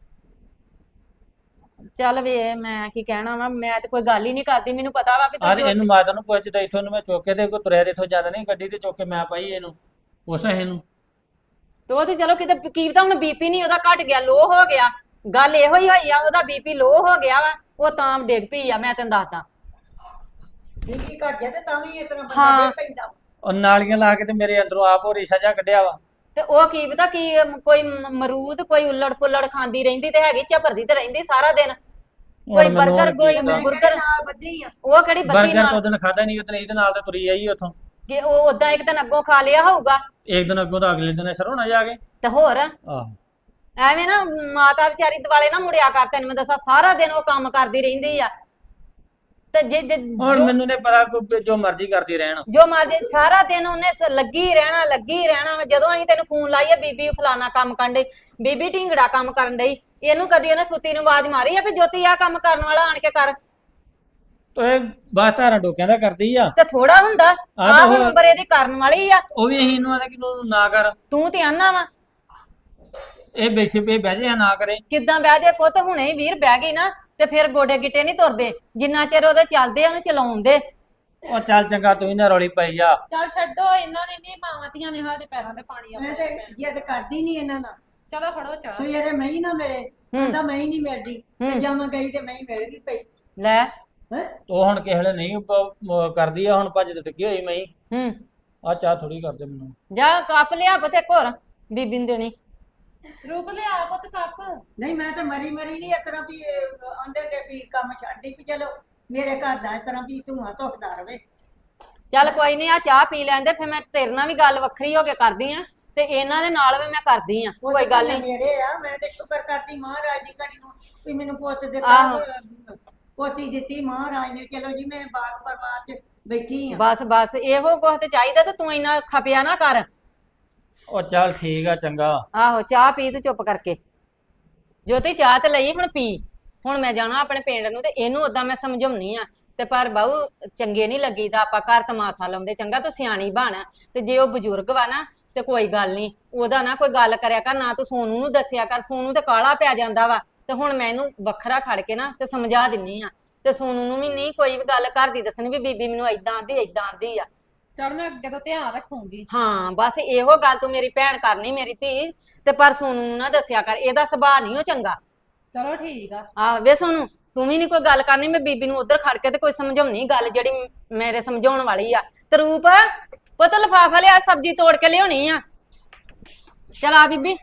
S2: ਚੱਲ ਵੇ ਮੈਂ ਕੀ ਕਹਿਣਾ ਵਾ, ਮੈਂ ਤੇ ਕੋਈ ਗੱਲ ਹੀ ਨਹੀਂ ਕਰਦੀ, ਮੈਨੂੰ ਪਤਾ ਵਾ ਵੀ
S1: ਆਹ
S2: ਤੂੰ
S1: ਇਹਨੂੰ ਮਾਤਾ ਨੂੰ ਪੁੱਛਦਾ ਇੱਥੋਂ ਨੂੰ ਮੈਂ ਚੁੱਕ ਕੇ ਤੇ ਕੋਈ ਤੁਰਿਆ ਤੇ ਇੱਥੋਂ ਜ਼ਿਆਦਾ ਨਹੀਂ ਗੱਡੀ ਤੇ ਚੁੱਕ ਕੇ ਮੈਂ ਪਾਈ ਇਹਨੂੰ ਉਸ ਇਹਨੂੰ।
S2: ਤੇ ਉਹ ਤੇ ਚਲੋ ਕਿਤੇ ਕੀ ਪਤਾ ਹੁਣ ਬੀਪੀ ਨਹੀਂ ਉਹਦਾ ਘਟ ਗਿਆ, ਲੋ ਹੋ ਗਿਆ, ਗੱਲ ਇਹੋ ਹੀ ਹੋਈ ਆ, ਉਹਦਾ ਬੀਪੀ ਲੋ ਹੋ ਗਿਆ ਵਾ, ਉਹ ਤਾਂ ਡਿੱਗ ਪਈ ਆ, ਮੈਂ ਤੈਨੂੰ ਦੱਸਦਾ।
S4: ਬੀਬੀ ਘਟ ਜਾ ਤੇ ਤਾਂ ਵੀ ਇਸ ਤਰ੍ਹਾਂ ਬੰਦਾ
S2: ਹਾਂ।
S4: ਦੇ ਪੈਂਦਾ।
S1: ਉਹ ਨਾਲੀਆਂ ਲਾ ਕੇ ਤੇ ਮੇਰੇ ਅੰਦਰੋਂ ਆਪ ਉਹ ਰੇਸ਼ਾ ਜਿਹਾ ਕੱਢਿਆ ਵਾ।
S2: ਤੇ ਉਹ ਕੀ ਪਤਾ ਕੀ ਕੋਈ ਮਰੂਦ ਕੋਈ ਉਲੜ ਪੁਲੜ ਖਾਂਦੀ ਰਹਿੰਦੀ ਤੇ ਹੈਗੀ, ਝਪਰਦੀ ਤੇ ਰਹਿੰਦੀ ਸਾਰਾ ਦਿਨ, ਕੋਈ
S1: ਹੁਣ ਮੈਨੂੰ
S2: 버ਗਰ
S1: ਹੁਣ
S2: ਕੋਈ
S1: ਕੀ ਪਤਾ।
S2: ਬੁਰਗਰ,
S4: ਨਾਲ ਬੱਧੀ ਆ।
S2: ਉਹ ਕਿਹੜੀ ਬੱਦੀ
S1: ਬਰਗਰ ਤੋਂ
S2: ਨਾਲ
S1: ਦਿਨ ਖਾਦਾ ਨਹੀਂ ਉਤਨੇ ਇਹਦੇ ਨਾਲ ਤੇ ਤੁਰੀ ਆਈ ਉੱਥੋਂ।
S2: ਕਿ ਉਹ ਉਦਾਂ ਇੱਕ ਦਿਨ ਅੱਗੋਂ ਖਾ ਲਿਆ ਹੋਊਗਾ
S1: ਇੱਕ ਦਿਨ ਅੱਗੋਂ ਤਾਂ ਅਗਲੇ ਦਿਨ ਸਰੋਣਾ ਜਾ ਕੇ।
S2: ਤੇ ਹੋਰ
S1: ਆਹੋ
S2: ਐਵੇਂ ਨਾ ਮਾਤਾ ਵਿਚਾਰੀ ਦਿਵਾਲੇ ਨਾ ਮੁੜਿਆ ਕਰ, ਤੈਨੂੰ ਮੈਂ ਦੱਸਾਂ ਸਾਰਾ ਦਿਨ ਉਹ ਕੰਮ ਕਰਦੀ ਰਹਿੰਦੀ ਆ ਤੇ ਜੇ
S1: ਹੁਣ ਮੈਨੂੰ ਨੇ ਪਤਾ ਕੋਈ ਜੋ ਮਰਜ਼ੀ ਕਰਦੀ ਰਹਿਣ।
S2: ਜੋ ਮਰਜੀ ਸਾਰਾ ਦਿਨ ਉਹਨੇ ਲੱਗੀ ਰਹਿਣਾ ਵਾ। ਜਦੋਂ ਅਸੀਂ ਤੈਨੂੰ ਫੋਨ ਲਾਈਏ ਬੀਬੀ ਫਲਾਣਾ ਕੰਮ ਕਰਨ ਡਈ, ਬੀਬੀ ਢੀਂਗੜਾ ਕੰਮ ਕਰਨ ਡਈ, ਇਹਨੂੰ ਕਦੀ ਉਹਨੇ ਸੁੱਤੀ ਨੂੰ ਆਵਾਜ਼ ਮਾਰੀ ਆ ਵੀ ਜੋਤੀ ਆ ਕੰਮ ਕਰਨ ਵਾਲਾ ਆਣ ਕੇ ਕਰ।
S1: ਤੇ ਬਾਤ ਧਾਰਾਂ ਡੋਕਿਆਂ ਦਾ ਕਰਦੀ ਆ।
S2: ਤੇ ਥੋੜਾ ਹੁੰਦਾ ਆਹ ਹੁਣ ਉਮਰ ਇਹਦੀ ਕਰਨ ਵਾਲੀ ਆ,
S1: ਉਹ ਵੀ ਅਸੀਂ ਇਹਨੂੰ ਆਂਦਾ ਕਿ ਤੂੰ ਨਾ ਕਰ,
S2: ਤੂੰ ਤੇ ਆਨਾ ਵਾ
S1: ਇਹ ਬੈਠੇ ਪਏ ਬਹਿ ਜਾ ਨਾ ਕਰੇ।
S2: ਕਿੱਦਾਂ ਬਹਿ ਜੇ ਪੁੱਤ, ਹੁਣੇ ਹੀ ਵੀਰ ਬਹਿ ਗਈ ਨਾ ਤੇ ਫਿਰ ਗੋਡੇ ਗਿੱਟੇ ਨਹੀਂ ਤੁਰਦੇ, ਜਿੰਨਾ ਚਿਰ ਉਹਦੇ ਚੱਲਦੇ ਉਹਨੂੰ ਚਲਾਉਣ ਦੇ।
S1: ਉਹ ਚੱਲ ਚੰਗਾ ਤੂੰ ਨਾ ਰੌਲੀ ਪਾਈ ਜਾ।
S3: ਚੱਲ ਛੱਡੋ, ਇਹਨਾਂ ਨੇ ਨਹੀਂ ਮਾਵਾਂ ਧੀਆਂ ਨੇ ਸਾਡੇ ਪੈਰਾਂ ਤੇ ਪਾਣੀ
S4: ਮੈਂ
S3: ਆਪਣੇ
S4: ਤੇ ਜਿੱਦ ਕਰਦੀ ਨਹੀਂ ਇਹਨਾਂ ਨਾਲ।
S3: ਚਲੋ ਫੜੋ ਚਾਹ।
S4: ਸਵੇਰੇ ਮੈਂ ਹੀ ਨਾ ਮਿਲੇ ਕਹਿੰਦਾ ਮੈਂ ਹੀ ਨਹੀਂ ਮਿਲਦੀ ਤੇ ਜਾਂ ਮੈਂ ਗਈ ਤੇ ਮੈਂ ਹੀ ਮਿਲ ਗਈ ਪਈ
S2: ਲੈ
S4: ਹੈ।
S1: ਉਹ ਹੁਣ ਕਿਸੇ ਵੇਲੇ ਨਹੀਂ ਕਰਦੀ ਆ, ਹੁਣ ਭੱਜ ਤੇ ਟਿੱਕੀ ਹੋਈ ਮੈਂ ਹੀ।
S2: ਹੂੰ
S1: ਆ ਚਾਹ ਥੋੜੀ ਕਰਦੇ ਮੈਨੂੰ।
S2: ਜਾ ਕੱਪ ਲਿਆ ਪਤੇ ਘਰ ਬੀਬੀ ਨੂੰ ਦੇਣੀ।
S3: ਰੂਪ ਲਿਆ ਪੁੱਤ ਕੱਪ।
S4: ਨਹੀਂ ਮੈਂ ਤਾਂ ਮਰੀ ਨਹੀਂ ਇਸ ਤਰ੍ਹਾਂ ਵੀ ਆਂਦੇ ਤੇ ਵੀ ਕੰਮ ਛੱਡਦੀ ਵੀ ਚਲੋ ਮੇਰੇ ਘਰ ਦਾ ਇਸ ਤਰ੍ਹਾਂ ਵੀ ਧੂਆਂ ਧੁਖਦਾ ਰਵੇ।
S2: ਚੱਲ ਕੋਈ ਨਹੀਂ, ਆ ਚਾਹ ਪੀ ਲੈਂਦੇ ਫਿਰ ਮੈਂ ਤੇਰੇ ਨਾਲ ਵੀ ਗੱਲ ਵੱਖਰੀ ਹੋ ਕੇ ਕਰਦੀ ਆ ਤੇ ਇਹਨਾਂ ਦੇ ਨਾਲ ਵੀ ਮੈਂ ਕਰਦੀ ਆ,
S4: ਉਹ
S2: ਕੋਈ ਗੱਲ ਨਹੀਂ।
S4: ਮੇਰੇ ਆ, ਮੈਂ ਤੇ ਸ਼ੁਕਰ ਕਰਦੀ ਮਹਾਰਾਜ ਦੀ ਘੜੀ ਨੂੰ ਵੀ ਮੈਨੂੰ ਪੁੱਤ
S2: ਆਹੋ।
S4: ਦਿੱਤਾ, ਪੋਤੀ ਦਿੱਤੀ ਮਹਾਰਾਜ ਨੇ। ਚਲੋ ਜੀ ਮੈਂ ਬਾਗ ਪਰਿਵਾਰ 'ਚ ਬੈਠੀ ਆ।
S2: ਬਸ ਇਹੋ ਕੁਛ ਤੇ ਚਾਹੀਦਾ ਤੇ ਤੂੰ ਇੰਨਾ ਖਪਿਆ ਨਾ ਕਰ।
S1: ਉਹ ਚੱਲ ਠੀਕ ਆ ਚੰਗਾ।
S2: ਆਹੋ ਚਾਹ ਪੀ ਤੂੰ ਚੁੱਪ ਕਰਕੇ। ਜੋਤੀ ਚਾਹ ਤੇ ਲਈ ਹੁਣ ਪੀ। ਹੁਣ ਮੈਂ ਜਾਣਾ ਆਪਣੇ ਪਿੰਡ ਨੂੰ ਤੇ ਇਹਨੂੰ ਓਦਾਂ ਮੈਂ ਸਮਝਾਉਣੀ ਆ ਤੇ ਪਰ ਬਾਹੂ ਚੰਗੇ ਨਹੀਂ ਲੱਗੀਦਾ ਆਪਾਂ ਘਰ ਤਮਾਸ਼ਾ ਲਾਉਂਦੇ। ਚੰਗਾ ਤੂੰ ਸਿਆਣੀ ਬਣ, ਤੇ ਜੇ ਉਹ ਬਜ਼ੁਰਗ ਵਾ ਨਾ ਤੇ ਕੋਈ ਗੱਲ ਨਹੀਂ, ਉਹਦਾ ਨਾ ਕੋਈ ਗੱਲ ਕਰਿਆ ਕਰ, ਨਾ ਤੂੰ ਸੋਨੂ ਨੂੰ ਦੱਸਿਆ ਕਰ, ਸੋਨੂ ਤੇ ਕਾਲਾ ਪੈ ਜਾਂਦਾ ਵਾ। ਤੇ ਹੁਣ ਮੈਂ ਇਹਨੂੰ ਵੱਖਰਾ ਖੜ ਕੇ ਨਾ ਤੇ ਸਮਝਾ ਦਿੰਨੀ ਆ, ਤੇ ਸੋਨੂ ਨੂੰ ਵੀ ਨਹੀਂ ਕੋਈ ਵੀ ਗੱਲ ਘਰ ਦੀ ਦੱਸਣੀ ਵੀ ਬੀਬੀ ਮੈਨੂੰ ਏਦਾਂ ਆਂਦੀ ਆ।
S3: ਚਲ ਮੈਂ ਅੱਗੇ ਤੋਂ ਧਿਆਨ ਰੱਖੂੰਗੀ।
S2: ਹਾਂ ਬਸ ਇਹੋ ਗੱਲ ਤੂੰ ਮੇਰੀ ਭੈਣ ਕਰਨੀ ਮੇਰੀ ਧੀ, ਤੇ ਪਰ ਸੋਨੂ ਨੂੰ ਨਾ ਦੱਸਿਆ ਕਰ, ਇਹਦਾ ਸੁਭਾਅ ਨਹੀਂ ਉਹ ਚੰਗਾ।
S3: ਚਲੋ ਠੀਕ ਆ।
S2: ਆਹ ਵੇ ਸੋਨੂ ਤੂੰ ਵੀ ਨਹੀਂ ਕੋਈ ਗੱਲ ਕਰਨੀ, ਮੈਂ ਬੀਬੀ ਨੂੰ ਉਧਰ ਖੜ ਕੇ ਤੇ ਕੋਈ ਸਮਝਾਉਣੀ ਗੱਲ ਜਿਹੜੀ ਮੇਰੇ ਸਮਝਾਉਣ ਵਾਲੀ ਆ। ਤੇ ਰੂਪ ਪੁੱਤ ਲਿਫਾਫਾ ਲਿਆ, ਸਬਜ਼ੀ ਤੋੜ ਕੇ ਲਿਆਉਣੀ ਆ। ਚਲ ਆ ਬੀਬੀ।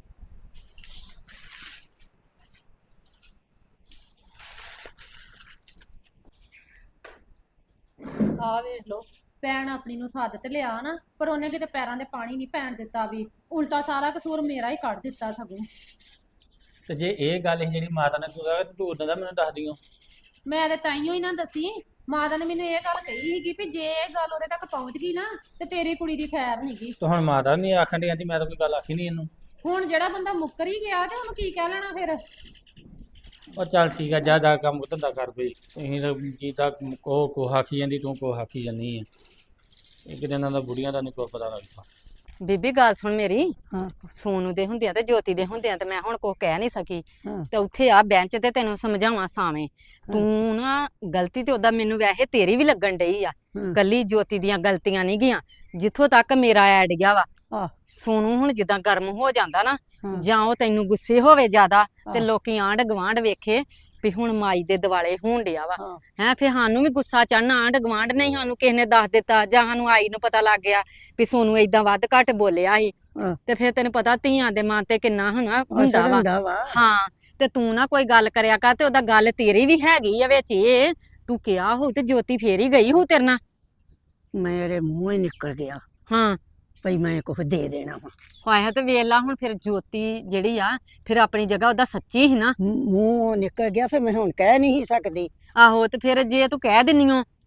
S3: ਆ ਵੇਖ ਲੋ, ਭੈਣ ਆਪਣੀ ਨੂੰ ਸੱਦ ਤੇ ਲਿਆ ਨਾ, ਪਰ ਉਹਨੇ ਕਿਤੇ ਪੈਰਾਂ ਦੇ ਪਾਣੀ ਨਹੀਂ ਪੈਣ ਦਿੱਤਾ, ਵੀ ਉਲਟਾ ਸਾਰਾ ਕਸੂਰ ਮੇਰਾ ਹੀ ਕੱਢ ਦਿੱਤਾ ਸਗੋਂ।
S1: ਤੇ ਜੇ ਇਹ ਗੱਲ ਸੀ ਜਿਹੜੀ ਮਾਤਾ ਨੇ ਤੂੰ ਉਦੋਂ ਦਾ ਮੈਨੂੰ ਦੱਸ ਦਿਓ।
S3: ਮੈਂ ਤੇ ਤਾਈਓ ਹੀ ਨਾ ਦੱਸੀ, ਮਾਤਾ ਨੇ ਮੈਨੂੰ ਇਹ ਗੱਲ ਕਹੀ ਸੀਗੀ ਵੀ ਜੇ ਇਹ ਗੱਲ ਉਹਦੇ ਤੱਕ ਪਹੁੰਚ ਗਈ ਨਾ ਤੇ ਤੇਰੀ ਕੁੜੀ ਦੀ ਖੈਰ ਨਹੀਂਗੀ।
S1: ਤੇ ਹੁਣ ਮਾਤਾ ਨਹੀਂ ਆਖਣ ਦੀ, ਮੈਂ ਤਾਂ ਕੋਈ ਗੱਲ ਆਖੀ ਨਹੀਂ ਇਹਨੂੰ।
S3: ਹੁਣ ਜਿਹੜਾ ਬੰਦਾ ਮੁੱਕਰ ਹੀ ਗਿਆ ਤੇ ਉਹਨੂੰ ਕੀ ਕਹਿ ਲੈਣਾ ਫਿਰ।
S1: ਉਹ ਚੱਲ ਠੀਕ ਆ, ਜਾ ਕੰਮ ਧੰਦਾ ਕਰ ਬਈ। ਤੁਸੀਂ ਤਾਂ ਕੀ ਤਾਂ ਕੋ ਆਖੀ ਜਾਂਦੀ, ਤੂੰ ਕੋ ਆਖੀ ਜਾਂਦੀ ਆ। ਇੱਕ ਦਿਨ ਇਹਨਾਂ ਦਾ ਬੁੜੀਆਂ ਦਾ ਨਹੀਂ ਕੋਈ ਪਤਾ ਲੱਗਦਾ।
S2: ਬੀਬੀ ਗੱਲ ਸੁਣ ਮੇਰੀ।
S4: ਹਾਂ।
S2: ਸੋਨੂ ਦੇ ਹੁੰਦਿਆਂ ਤੇ ਜੋਤੀ ਦੇ ਹੁੰਦਿਆਂ ਤੇ ਮੈਂ ਹੁਣ ਕੁਛ ਕਹਿ ਨਹੀਂ ਸਕੀ।
S4: ਹਾਂ।
S2: ਤੇ ਉੱਥੇ ਆ ਬੈਂਚ ਤੇ ਤੈਨੂੰ ਸਮਝਾਵਾਂ ਸਾਵੇਂ, ਤੂੰ ਨਾ ਗਲਤੀ ਤੇ ਉਹਦਾ ਮੈਨੂੰ ਵੈਸੇ ਤੇਰੀ ਵੀ ਲੱਗਣ ਡਈ ਆ, ਕੱਲੀ ਜੋਤੀ ਦੀਆਂ ਗਲਤੀਆਂ ਨਹੀਂ ਗਈਆਂ। ਜਿੱਥੋਂ ਤੱਕ ਮੇਰਾ ਐਡ ਗਿਆ ਵਾ,
S4: ਆਹ।
S2: ਸੋਨੂ ਹੁਣ ਜਿੱਦਾਂ ਗਰਮ ਹੋ ਜਾਂਦਾ ਨਾ,
S4: ਹਾਂ।
S2: ਜਾਂ ਉਹ ਤੈਨੂੰ ਗੁੱਸੇ ਹੋਵੇ ਜ਼ਿਆਦਾ ਤੇ
S4: ਆਹ।
S2: ਲੋਕੀ ਆਂਢ ਗਵਾਂਢ ਵੇਖੇ ਵੀ ਹੁਣ ਮਾਈ ਦੇ ਦਿਵਾਲੇ ਹੋਣ ਡਿਆ ਵਾ,
S4: ਹਾਂ।
S2: ਹੈ ਫਿਰ ਸਾਨੂੰ ਵੀ ਗੁੱਸਾ ਚੜਨਾ। ਆਂਢ ਗਵਾਂਢ ਨਹੀਂ ਸਾਨੂੰ ਕਿਸੇ ਨੇ ਦੱਸ ਦਿੱਤਾ, ਜਾਂ ਸਾਨੂੰ ਆਈ ਨੂੰ ਪਤਾ ਲੱਗ ਗਿਆ ਵੀ ਸੋਨੂ ਏਦਾਂ ਵੱਧ ਘੱਟ ਬੋਲਿਆ ਸੀ,
S4: ਹਾਂ।
S2: ਤੇ ਫਿਰ ਤੈਨੂੰ ਪਤਾ ਧੀਆਂ ਦੇ ਮਨ ਤੇ ਕਿੰਨਾ ਹੁੰਦਾ
S4: ਅਸਰ
S2: ਵਾ।
S4: ਹੁੰਦਾ ਵਾ।
S2: ਹਾਂ ਤੇ ਤੂੰ ਨਾ ਕੋਈ ਗੱਲ ਕਰਿਆ ਕਰ, ਤੇ ਉਹਦਾ ਗੱਲ ਤੇਰੀ ਵੀ ਹੈਗੀ ਆ ਵਿੱਚ, ਇਹ ਤੂੰ ਕਿਹਾ ਹੋ ਤੇ ਜੋਤੀ ਫੇਰ ਹੀ ਗਈ ਹੋ ਤੇਰੇ ਨਾਲ।
S4: ਮੇਰੇ ਮੂੰਹ ਹੀ ਨਿਕਲ ਗਿਆ
S2: ਹਾਂ
S4: ਭਈ ਮੈਂ ਕੁਝ ਦੇ ਦੇਣਾ ਵਾ।
S2: ਆਇਆ ਤੇ ਵੇਖ ਲਾ ਹੁਣ ਫਿਰ ਜੋਤੀ ਜਿਹੜੀ ਆ ਫਿਰ ਆਪਣੀ ਜਗ੍ਹਾ ਉਹਦਾ ਸੱਚੀ ਸੀ ਨਾ।
S4: ਮੂੰਹ ਨਿਕਲ ਗਿਆ, ਫਿਰ ਮੈਂ ਹੁਣ ਕਹਿ ਨਹੀਂ ਸਕਦੀ।
S2: ਆਹੋ ਤੇ ਫਿਰ ਜੇ ਤੂੰ ਕਹਿ ਦਿੰਨੀ ਓ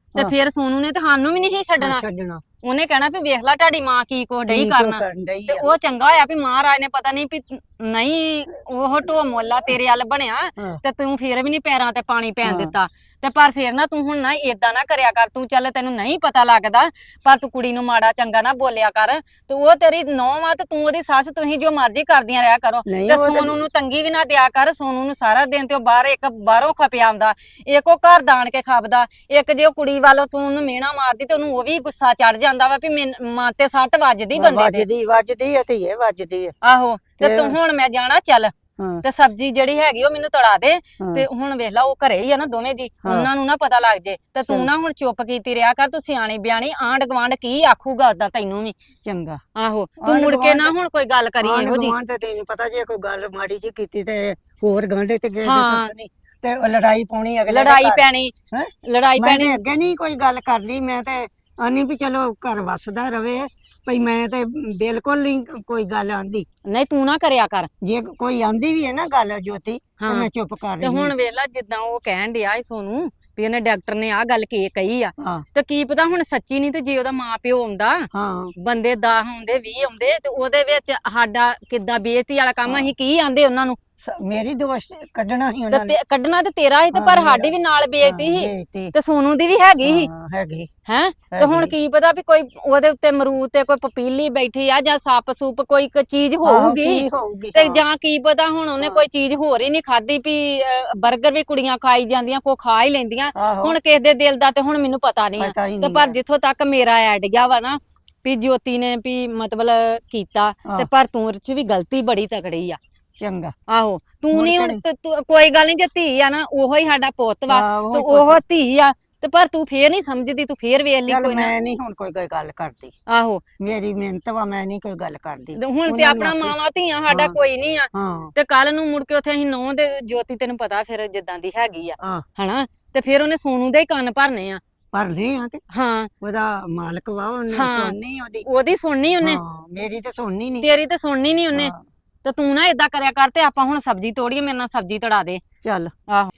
S2: ਤੇ
S4: ਹਾਂ।
S2: ਫਿਰ ਸੋਨੂ ਨੇ ਤੇ ਸਾਨੂੰ ਵੀ ਨਹੀਂ ਛੱਡਣਾ।
S4: ਛੱਡਣਾ
S2: ਉਹਨੇ ਕਹਿਣਾ ਵੀ ਵੇਖ ਲੈ ਤੁਹਾਡੀ ਮਾਂ ਕੀ ਕੁਛ ਡਈ
S4: ਕੀ
S2: ਕਰਨਾ।
S4: ਕਰਨ ਡਈ
S2: ਤੇ
S4: ਆ।
S2: ਉਹ ਚੰਗਾ ਹੋਇਆ ਵੀ ਮਹਾਰਾਜ ਨੇ ਪਤਾ ਨਹੀਂ ਵੀ ਨਹੀਂ ਉਹ ਢੋ ਮੋਲਾ ਤੇਰੇ ਵੱਲ ਬਣਿਆ
S4: ਹਾਂ।
S2: ਤੇ ਤੂੰ ਫੇਰ ਵੀ ਨਹੀਂ ਪੈਰਾਂ ਤੇ ਪਾਣੀ ਪੈਣ
S4: ਹਾਂ।
S2: ਦਿੱਤਾ। ਤੇ ਪਰ ਫੇਰ ਨਾ ਤੂੰ ਹੁਣ ਨਾ ਏਦਾਂ ਨਾ ਕਰਿਆ ਕਰ। ਤੂੰ ਚੱਲ ਤੈਨੂੰ ਨਹੀਂ ਪਤਾ ਲੱਗਦਾ ਪਰ ਤੂੰ ਕੁੜੀ ਨੂੰ ਮਾੜਾ ਚੰਗਾ ਨਾ ਬੋਲਿਆ ਕਰ। ਤੇ ਉਹ ਤੇਰੀ ਨੌਂ ਆ ਤੇ ਤੂੰ ਉਹਦੀ ਸੱਸ, ਤੁਸੀਂ ਜੋ ਮਰਜ਼ੀ ਕਰਦੀਆਂ ਰਿਹਾ ਕਰੋ।
S4: ਨਹੀਂ
S2: ਤੇ
S4: ਉਹ
S2: ਸੋਨੂ ਨੂੰ ਤੰਗੀ ਵੀ ਨਾ ਦਿਆ ਕਰ। ਸੋਨੂ ਨੂੰ ਸਾਰਾ ਦਿਨ ਤੇ ਉਹ ਬਾਹਰੋਂ ਖਪਿਆ ਆਉਂਦਾ, ਇੱਕ ਉਹ ਘਰ ਦਾਣ ਕੇ ਖਾਪਦਾ, ਇੱਕ ਜੇ ਉਹ ਕੁੜੀ ਵੱਲੋਂ ਤੂੰ ਉਹਨੂੰ ਮਿਹਣਾ ਮਾਰਦੀ ਤੇ ਉਹਨੂੰ ਉਹ ਵੀ ਗੁੱਸਾ ਚੜ ਜਾਂਦਾ ਵਾ ਵੀ ਮਾਂ ਤੇ ਸੱਟ ਵੱਜਦੀ ਬੰਦੇ ਦੇ।
S4: ਵੱਜਦੀ ਆ ਧੀਏ, ਵੱਜਦੀ ਆ।
S2: ਆਹੋ ਤੇ ਤੂੰ ਹੁਣ ਮੈਂ ਜਾਣਾ ਚੱਲ
S4: ਹਾਂ।
S2: ਤੇ ਸਬਜ਼ੀ ਜਿਹੜੀ ਹੈਗੀ ਉਹ ਮੈਨੂੰ ਤੜਾ ਦੇ।
S4: ਹਾਂ।
S2: ਤੇ ਹੁਣ ਵੇਖ ਲਾ ਉਹ ਘਰੇ ਹੀ ਆ ਨਾ ਦੋਵੇਂ ਜੀ,
S4: ਹਾਂ।
S2: ਉਹਨਾਂ ਨੂੰ ਨਾ ਪਤਾ ਲੱਗ ਜੇ ਤੇ ਤੂੰ ਨਾ ਹੁਣ ਚੁੱਪ ਕੀਤੀ ਰਿਹਾ ਕਰ। ਤੂੰ ਸਿਆਣੀ ਬਿਆਣੀ, ਆਂਢ ਗੁਆਂਢ ਕੀ ਆਖੂਗਾ ਉਦਾਂ ਤੈਨੂੰ ਵੀ।
S4: ਚੰਗਾ।
S2: ਆਹੋ ਤੂੰ
S4: ਆਂਢ
S2: ਮੁੜ ਕੇ ਨਾ
S4: ਗੁਆਂਢ-
S2: ਹੁਣ ਕੋਈ ਗੱਲ ਕਰੀ ਇਹੋ ਜੀ।
S4: ਤੇ ਤੈਨੂੰ ਪਤਾ ਜੇ ਕੋਈ ਗੱਲ ਮਾੜੀ ਜੀ ਕੀਤੀ ਤੇ ਹੋਰ ਗਾਂਢੇ ਤੇ ਗਏ
S2: ਹਾਂ।
S4: ਤੇ ਉਹ ਲੜਾਈ ਪਾਉਣੀ ਅਗਲੇ ਦੇ
S2: ਲੜਾਈ
S4: ਘਰ।
S2: ਪੈਣੀ,
S4: ਹੈਂ?
S2: ਲੜਾਈ
S4: ਮੈਂ
S2: ਪੈਣੀ।
S4: ਤੇ ਅੱਗੇ ਨਹੀਂ ਕੋਈ ਗੱਲ ਕਰਦੀ, ਮੈਂ ਤੇ ਆਨੀ ਵੀ ਚਲੋ ਘਰ ਵਸਦਾ ਰਵੇ, ਭਈ ਮੈਂ ਤੇ ਬਿਲਕੁਲ ਨਹੀਂ ਕੋਈ ਗੱਲ ਆਂਦੀ।
S2: ਨਹੀਂ ਤੂੰ ਨਾ ਕਰਿਆ ਕਰ।
S4: ਜੇ ਕੋਈ ਆਂਦੀ ਵੀ ਹੈ ਨਾ ਗੱਲ ਜੋਤੀ ਤੇ
S2: ਹਾਂ।
S4: ਮੈਂ ਚੁੱਪ ਕਰ
S2: ਤੇ
S4: ਰਹੀ
S2: ਹੁਣ ਵੇਖ ਲਾ ਜਿੱਦਾਂ ਉਹ ਕਹਿਣ ਡਿਆ ਏ ਸੋਨੂੰ ਵੀ ਇਹਨੇ ਡਾਕਟਰ ਨੇ ਆਹ ਗੱਲ ਕਹੀ ਆ,
S4: ਹਾਂ।
S2: ਤੇ ਕੀ ਪਤਾ ਹੁਣ ਸੱਚੀ ਨਹੀਂ ਤੇ ਜੇ ਉਹਦਾ ਮਾਂ ਪਿਓ ਆਉਂਦਾ,
S4: ਹਾਂ।
S2: ਬੰਦੇ 10 ਆਉਂਦੇ 20 ਆਉਂਦੇ ਤੇ ਉਹਦੇ ਵਿੱਚ ਸਾਡਾ ਕਿੱਦਾਂ ਬੇਇੱਜ਼ਤੀ ਵਾਲਾ ਕੰਮ ਅਸੀਂ ਕੀ ਆਂਦੇ ਉਹਨਾਂ ਨੂੰ।
S4: ਮੇਰੀ ਦੋਸਤ ਕੱਢਣਾ ਸੀ
S2: ਤੇ
S4: ਉਹਨਾਂ ਨੇ।
S2: ਕੱਢਣਾ ਤੇ ਤੇਰਾ ਸੀ ਤੇ
S4: ਹਾਂ,
S2: ਪਰ
S4: ਮੇਰਾ।
S2: ਸਾਡੀ ਵੀ ਨਾਲ ਬੇਇੱਜ਼ਤੀ ਸੀ
S4: ਬੇਇੱਜ਼ਤੀ।
S2: ਤੇ ਸੋਨੂ ਦੀ ਵੀ ਹੈਗੀ ਸੀ
S4: ਹਾਂ, ਹੈਗੀ।
S2: ਹੈ। ਤੇ ਹੁਣ
S4: ਹੈਗੀ।
S2: ਕੀ ਪਤਾ ਵੀ ਕੋਈ ਉਹਦੇ ਉੱਤੇ ਅਮਰੂਦ ਤੇ ਕੋਈ ਪਪੀਲੀ ਬੈਠੀ ਆ ਜਾਂ ਸੱਪ ਸੂਪ ਕੋਈ ਚੀਜ਼
S4: ਆਹੋ,
S2: ਹੋਊਗੀ
S4: ਕੀ ਹੋਊਗੀ।
S2: ਤੇ
S4: ਹਾਂ।
S2: ਜਾਂ ਕੀ ਪਤਾ ਹੁਣ ਉਹਨੇ
S4: ਹਾਂ।
S2: ਕੋਈ ਚੀਜ਼ ਹੋਰ ਹੀ ਨਹੀਂ ਖਾਧੀ ਵੀ 버ਗਰ ਵੀ ਕੁੜੀਆਂ ਖਾਈ ਜਾਂਦੀਆਂ, ਕੋ ਖਾ ਹੀ ਲੈਂਦੀਆਂ।
S4: ਆਹੋ।
S2: ਹੁਣ ਕਿਸੇ ਦੇ ਦਿਲ ਦਾ ਤੇ ਹੁਣ ਮੈਨੂੰ ਪਤਾ ਨਹੀਂ ਆ।
S4: ਪਤਾ ਹੀ
S2: ਤੇ
S4: ਨਹੀਂ
S2: ਪਰ
S4: ਹੈ।
S2: ਜਿੱਥੋਂ ਤੱਕ ਮੇਰਾ ਆਈਡੀਆ ਵਾ ਨਾ ਵੀ ਜੋਤੀ ਨੇ ਵੀ ਮਤਲਬ ਕੀਤਾ ਤੇ
S4: ਹਾਂ।
S2: ਪਰ ਤੂੰ ਚ ਵੀ ਗਲਤੀ ਬੜੀ ਤਕੜੀ ਆ।
S4: ਚੰਗਾ।
S2: ਆਹੋ ਤੂੰ
S4: ਮੁੜ
S2: ਨਹੀਂ
S4: ਕੇ
S2: ਹੁਣ
S4: ਨੀ।
S2: ਕੋਈ ਗੱਲ ਨਹੀਂ ਜੇ ਧੀ ਆ ਨਾ ਉਹੋ ਹੀ ਸਾਡਾ ਪੁੱਤ ਵਾ
S4: ਹਾਂ, ਉਹੋ
S2: ਤੇ
S4: ਹੀ
S2: ਉਹ
S4: ਪੁੱਤ।
S2: ਧੀ ਆ ਤੇ ਪਰ ਤੂੰ ਫੇਰ ਨਹੀਂ ਸਮਝਦੀ, ਤੂੰ ਫੇਰ ਵੇਖ ਲਈ
S4: ਚੱਲ
S2: ਕੋਈ ਨਾ।
S4: ਮੈਂ ਨਹੀਂ ਹੁਣ ਕੋਈ ਗੱਲ ਕਰਦੀ,
S2: ਆਹੋ
S4: ਮੇਰੀ ਮਿਹਨਤ ਵਾ, ਮੈਂ ਨਹੀਂ ਕੋਈ ਗੱਲ ਕਰਦੀ।
S2: ਤੇ ਹੁਣ ਤੇ
S4: ਉਹਨਾਂ ਨੂੰ
S2: ਆਪਣਾ
S4: ਆਪੇ-
S2: ਮਾਵਾਂ ਧੀਆਂ ਸਾਡਾ
S4: ਹਾਂ।
S2: ਕੋਈ ਨਹੀਂ ਆ।
S4: ਹਾਂ।
S2: ਤੇ ਕੱਲ ਨੂੰ ਮੁੜ ਕੇ ਉੱਥੇ ਅਸੀਂ ਨੌ ਦੇ ਜੋਤੀ ਤੈਨੂੰ ਪਤਾ ਫਿਰ ਜਿੱਦਾਂ ਦੀ ਹੈਗੀ ਆ
S4: ਹਾਂ।
S2: ਹਨਾ, ਤੇ ਫਿਰ ਉਹਨੇ ਸੋਨੂ ਦੇ ਹੀ ਕੰਨ ਭਰਨੇ ਆ।
S4: ਪਰ ਲੈ ਆ ਤੇ
S2: ਹਾਂ
S4: ਉਹਦਾ ਮਾਲਕ ਵਾ, ਉਹਨੇ
S2: ਹਾਂ।
S4: ਸੁਣਨੀ ਉਹਦੀ।
S2: ਉਹਦੀ ਸੁਣਨੀ ਉਹਨੇ,
S4: ਹਾਂ, ਮੇਰੀ ਤੇ ਸੁਣਨੀ ਨਹੀਂ।
S2: ਤੇਰੀ ਤੇ ਸੁਣਨੀ ਨਹੀਂ ਉਹਨੇ।
S4: ਹਾਂ।
S2: ਤੇ ਤੂੰ ਨਾ ਏਦਾਂ ਕਰਿਆ ਕਰ ਤੇ ਆਪਾਂ ਹੁਣ ਸਬਜ਼ੀ ਤੋੜੀਏ, ਮੇਰੇ ਨਾਲ ਸਬਜ਼ੀ ਤੜਾ ਦੇ।
S4: ਚੱਲ।
S2: ਆਹੋ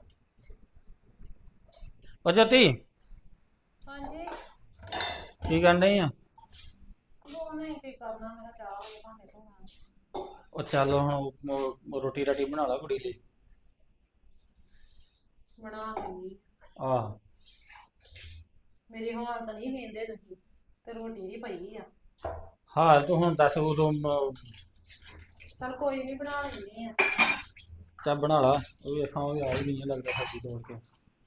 S1: ਉਹ ਜੋਤੀ
S3: ਹਾਂਜੀ
S1: ਕੀ ਕਰਨ ਡਈ ਆ?
S3: ਦੋਵੇਂ ਕੀ ਕਰਨਾ, ਮੇਰਾ ਚਾਹ ਵਾਲੇ ਭਾਂਡੇ ਧੋਣਾ।
S1: ਉਹ ਚੱਲ ਹੁਣ ਰੋਟੀ ਰਾਟੀ ਬਣਾ ਲਾ ਕੁੜੀ ਲਈ।
S3: ਬਣਾ ਦਿੰਦੀ।
S1: ਆਹ
S3: ਮੇਰੀ ਹਾਲਤ ਨਹੀਂ ਵੇਂਦੇ ਤੁਸੀਂ ਤੇ ਰੋਟੀ ਦੀ ਪਈ ਆ।
S1: ਹਾਲ ਤੂੰ ਹੁਣ ਦੱਸ, ਉਦੋਂ
S3: ਚਲ ਕੋਈ ਨਹੀਂ ਬਣਾ ਲੈਂਦੀ ਆ।
S1: ਚੱਲ ਬਣਾ ਲਾ। ਉਹ ਵੇਖਾਂ ਉਹ ਆ ਹੀ ਨਹੀਂ ਲੱਗਦਾ ਸਬਜ਼ੀ ਤੋੜ ਕੇ।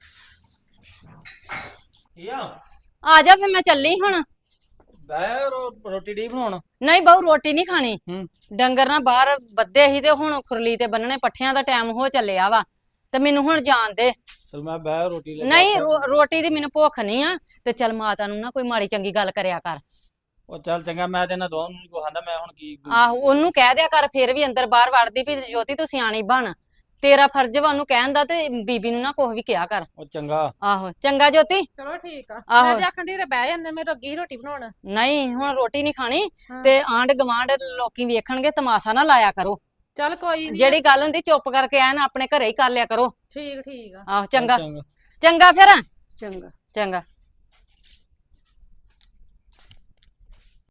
S1: ਕੀ ਆ
S2: ਆ ਜਾ ਫਿਰ ਮੈਂ ਚੱਲੀ ਹੁਣ।
S1: ਬੈ ਰੋਟੀ ਡੀ ਬਣਾਉਣ।
S2: ਨਹੀਂ ਬਹੁ ਰੋਟੀ ਨਹੀਂ ਖਾਣੀ।
S1: ਹੂੰ।
S2: ਡੰਗਰ ਨਾ ਬਾਹਰ ਬੱਧੇ ਸੀ ਤੇ ਹੁਣ ਖੁਰਲੀ ਤੇ ਬੰਨਣੇ, ਪੱਠਿਆਂ ਦਾ ਟਾਈਮ ਹੋ ਚੱਲਿਆ ਵਾ ਤੇ ਮੈਨੂੰ ਹੁਣ ਜਾਣ ਦੇ।
S1: ਚਲ ਮੈਂ ਬੈ ਰੋਟੀ ਲੈ
S2: ਨਹੀਂ ਰੋਟੀ ਦੀ ਮੈਨੂੰ ਭੁੱਖ ਨਹੀਂ ਆ। ਤੇ ਚੱਲ ਮਾਤਾ ਨੂੰ ਨਾ ਕੋਈ ਮਾੜੀ ਚੰਗੀ ਗੱਲ ਕਰਿਆ ਕਰ।
S1: ਉਹ ਚੱਲ ਚੰਗਾ, ਮੈਂ ਤੇ ਇਹਨਾਂ ਦੋਵਾਂ ਨੂੰ ਨੀ ਕੁਛ ਆਂਦਾ, ਮੈਂ ਹੁਣ ਕੀ।
S2: ਆਹੋ ਉਹਨੂੰ ਕਹਿ ਦਿਆ ਕਰ ਫਿਰ ਵੀ ਅੰਦਰ ਬਾਹਰ ਵੜਦੀ ਵੀ ਜੋਤੀ ਤੂੰ ਸਿਆਣੀ ਬਣ। ਤੇਰਾ ਫਰਜ਼ ਵਾ ਉਹਨੂੰ ਕਹਿਣ ਦਾ ਤੇ ਬੀਬੀ ਨੂੰ ਨਾ ਕੁਛ ਵੀ ਕਿਹਾ ਕਰ।
S1: ਉਹ ਚੰਗਾ।
S2: ਆਹੋ ਚੰਗਾ ਜੋਤੀ।
S3: ਚਲੋ ਠੀਕ ਆ।
S2: ਆਹੋ।
S3: ਮੈਂ ਤੇ ਆਖਣ ਦੀ ਬਹਿ ਜਾਂਦੇ, ਮੇਰੇ ਅੱਗੇ ਹੀ ਰੋਟੀ ਬਣਾਉਣ।
S2: ਨਹੀਂ ਹੁਣ ਰੋਟੀ ਨਹੀਂ ਖਾਣੀ
S3: ਹਾਂ।
S2: ਤੇ ਆਂਢ ਗਵਾਂਢ ਲੋਕੀ ਵੇਖਣਗੇ, ਤਮਾਸ਼ਾ ਨਾ ਲਾਇਆ ਕਰੋ।
S3: ਚਲ ਕੋਈ ਨਹੀਂ।
S2: ਜਿਹੜੀ ਗੱਲ ਹੁੰਦੀ ਚੁੱਪ ਕਰਕੇ ਐਨ ਆਪਣੇ ਘਰੇ ਹੀ ਕਰ ਲਿਆ ਕਰੋ।
S3: ਠੀਕ ਠੀਕ ਆ।
S2: ਆਹੋ ਚੰਗਾ
S1: ਚੰਗਾ।
S2: ਚੰਗਾ ਫਿਰ
S4: ਚੰਗਾ।
S2: ਚੰਗਾ।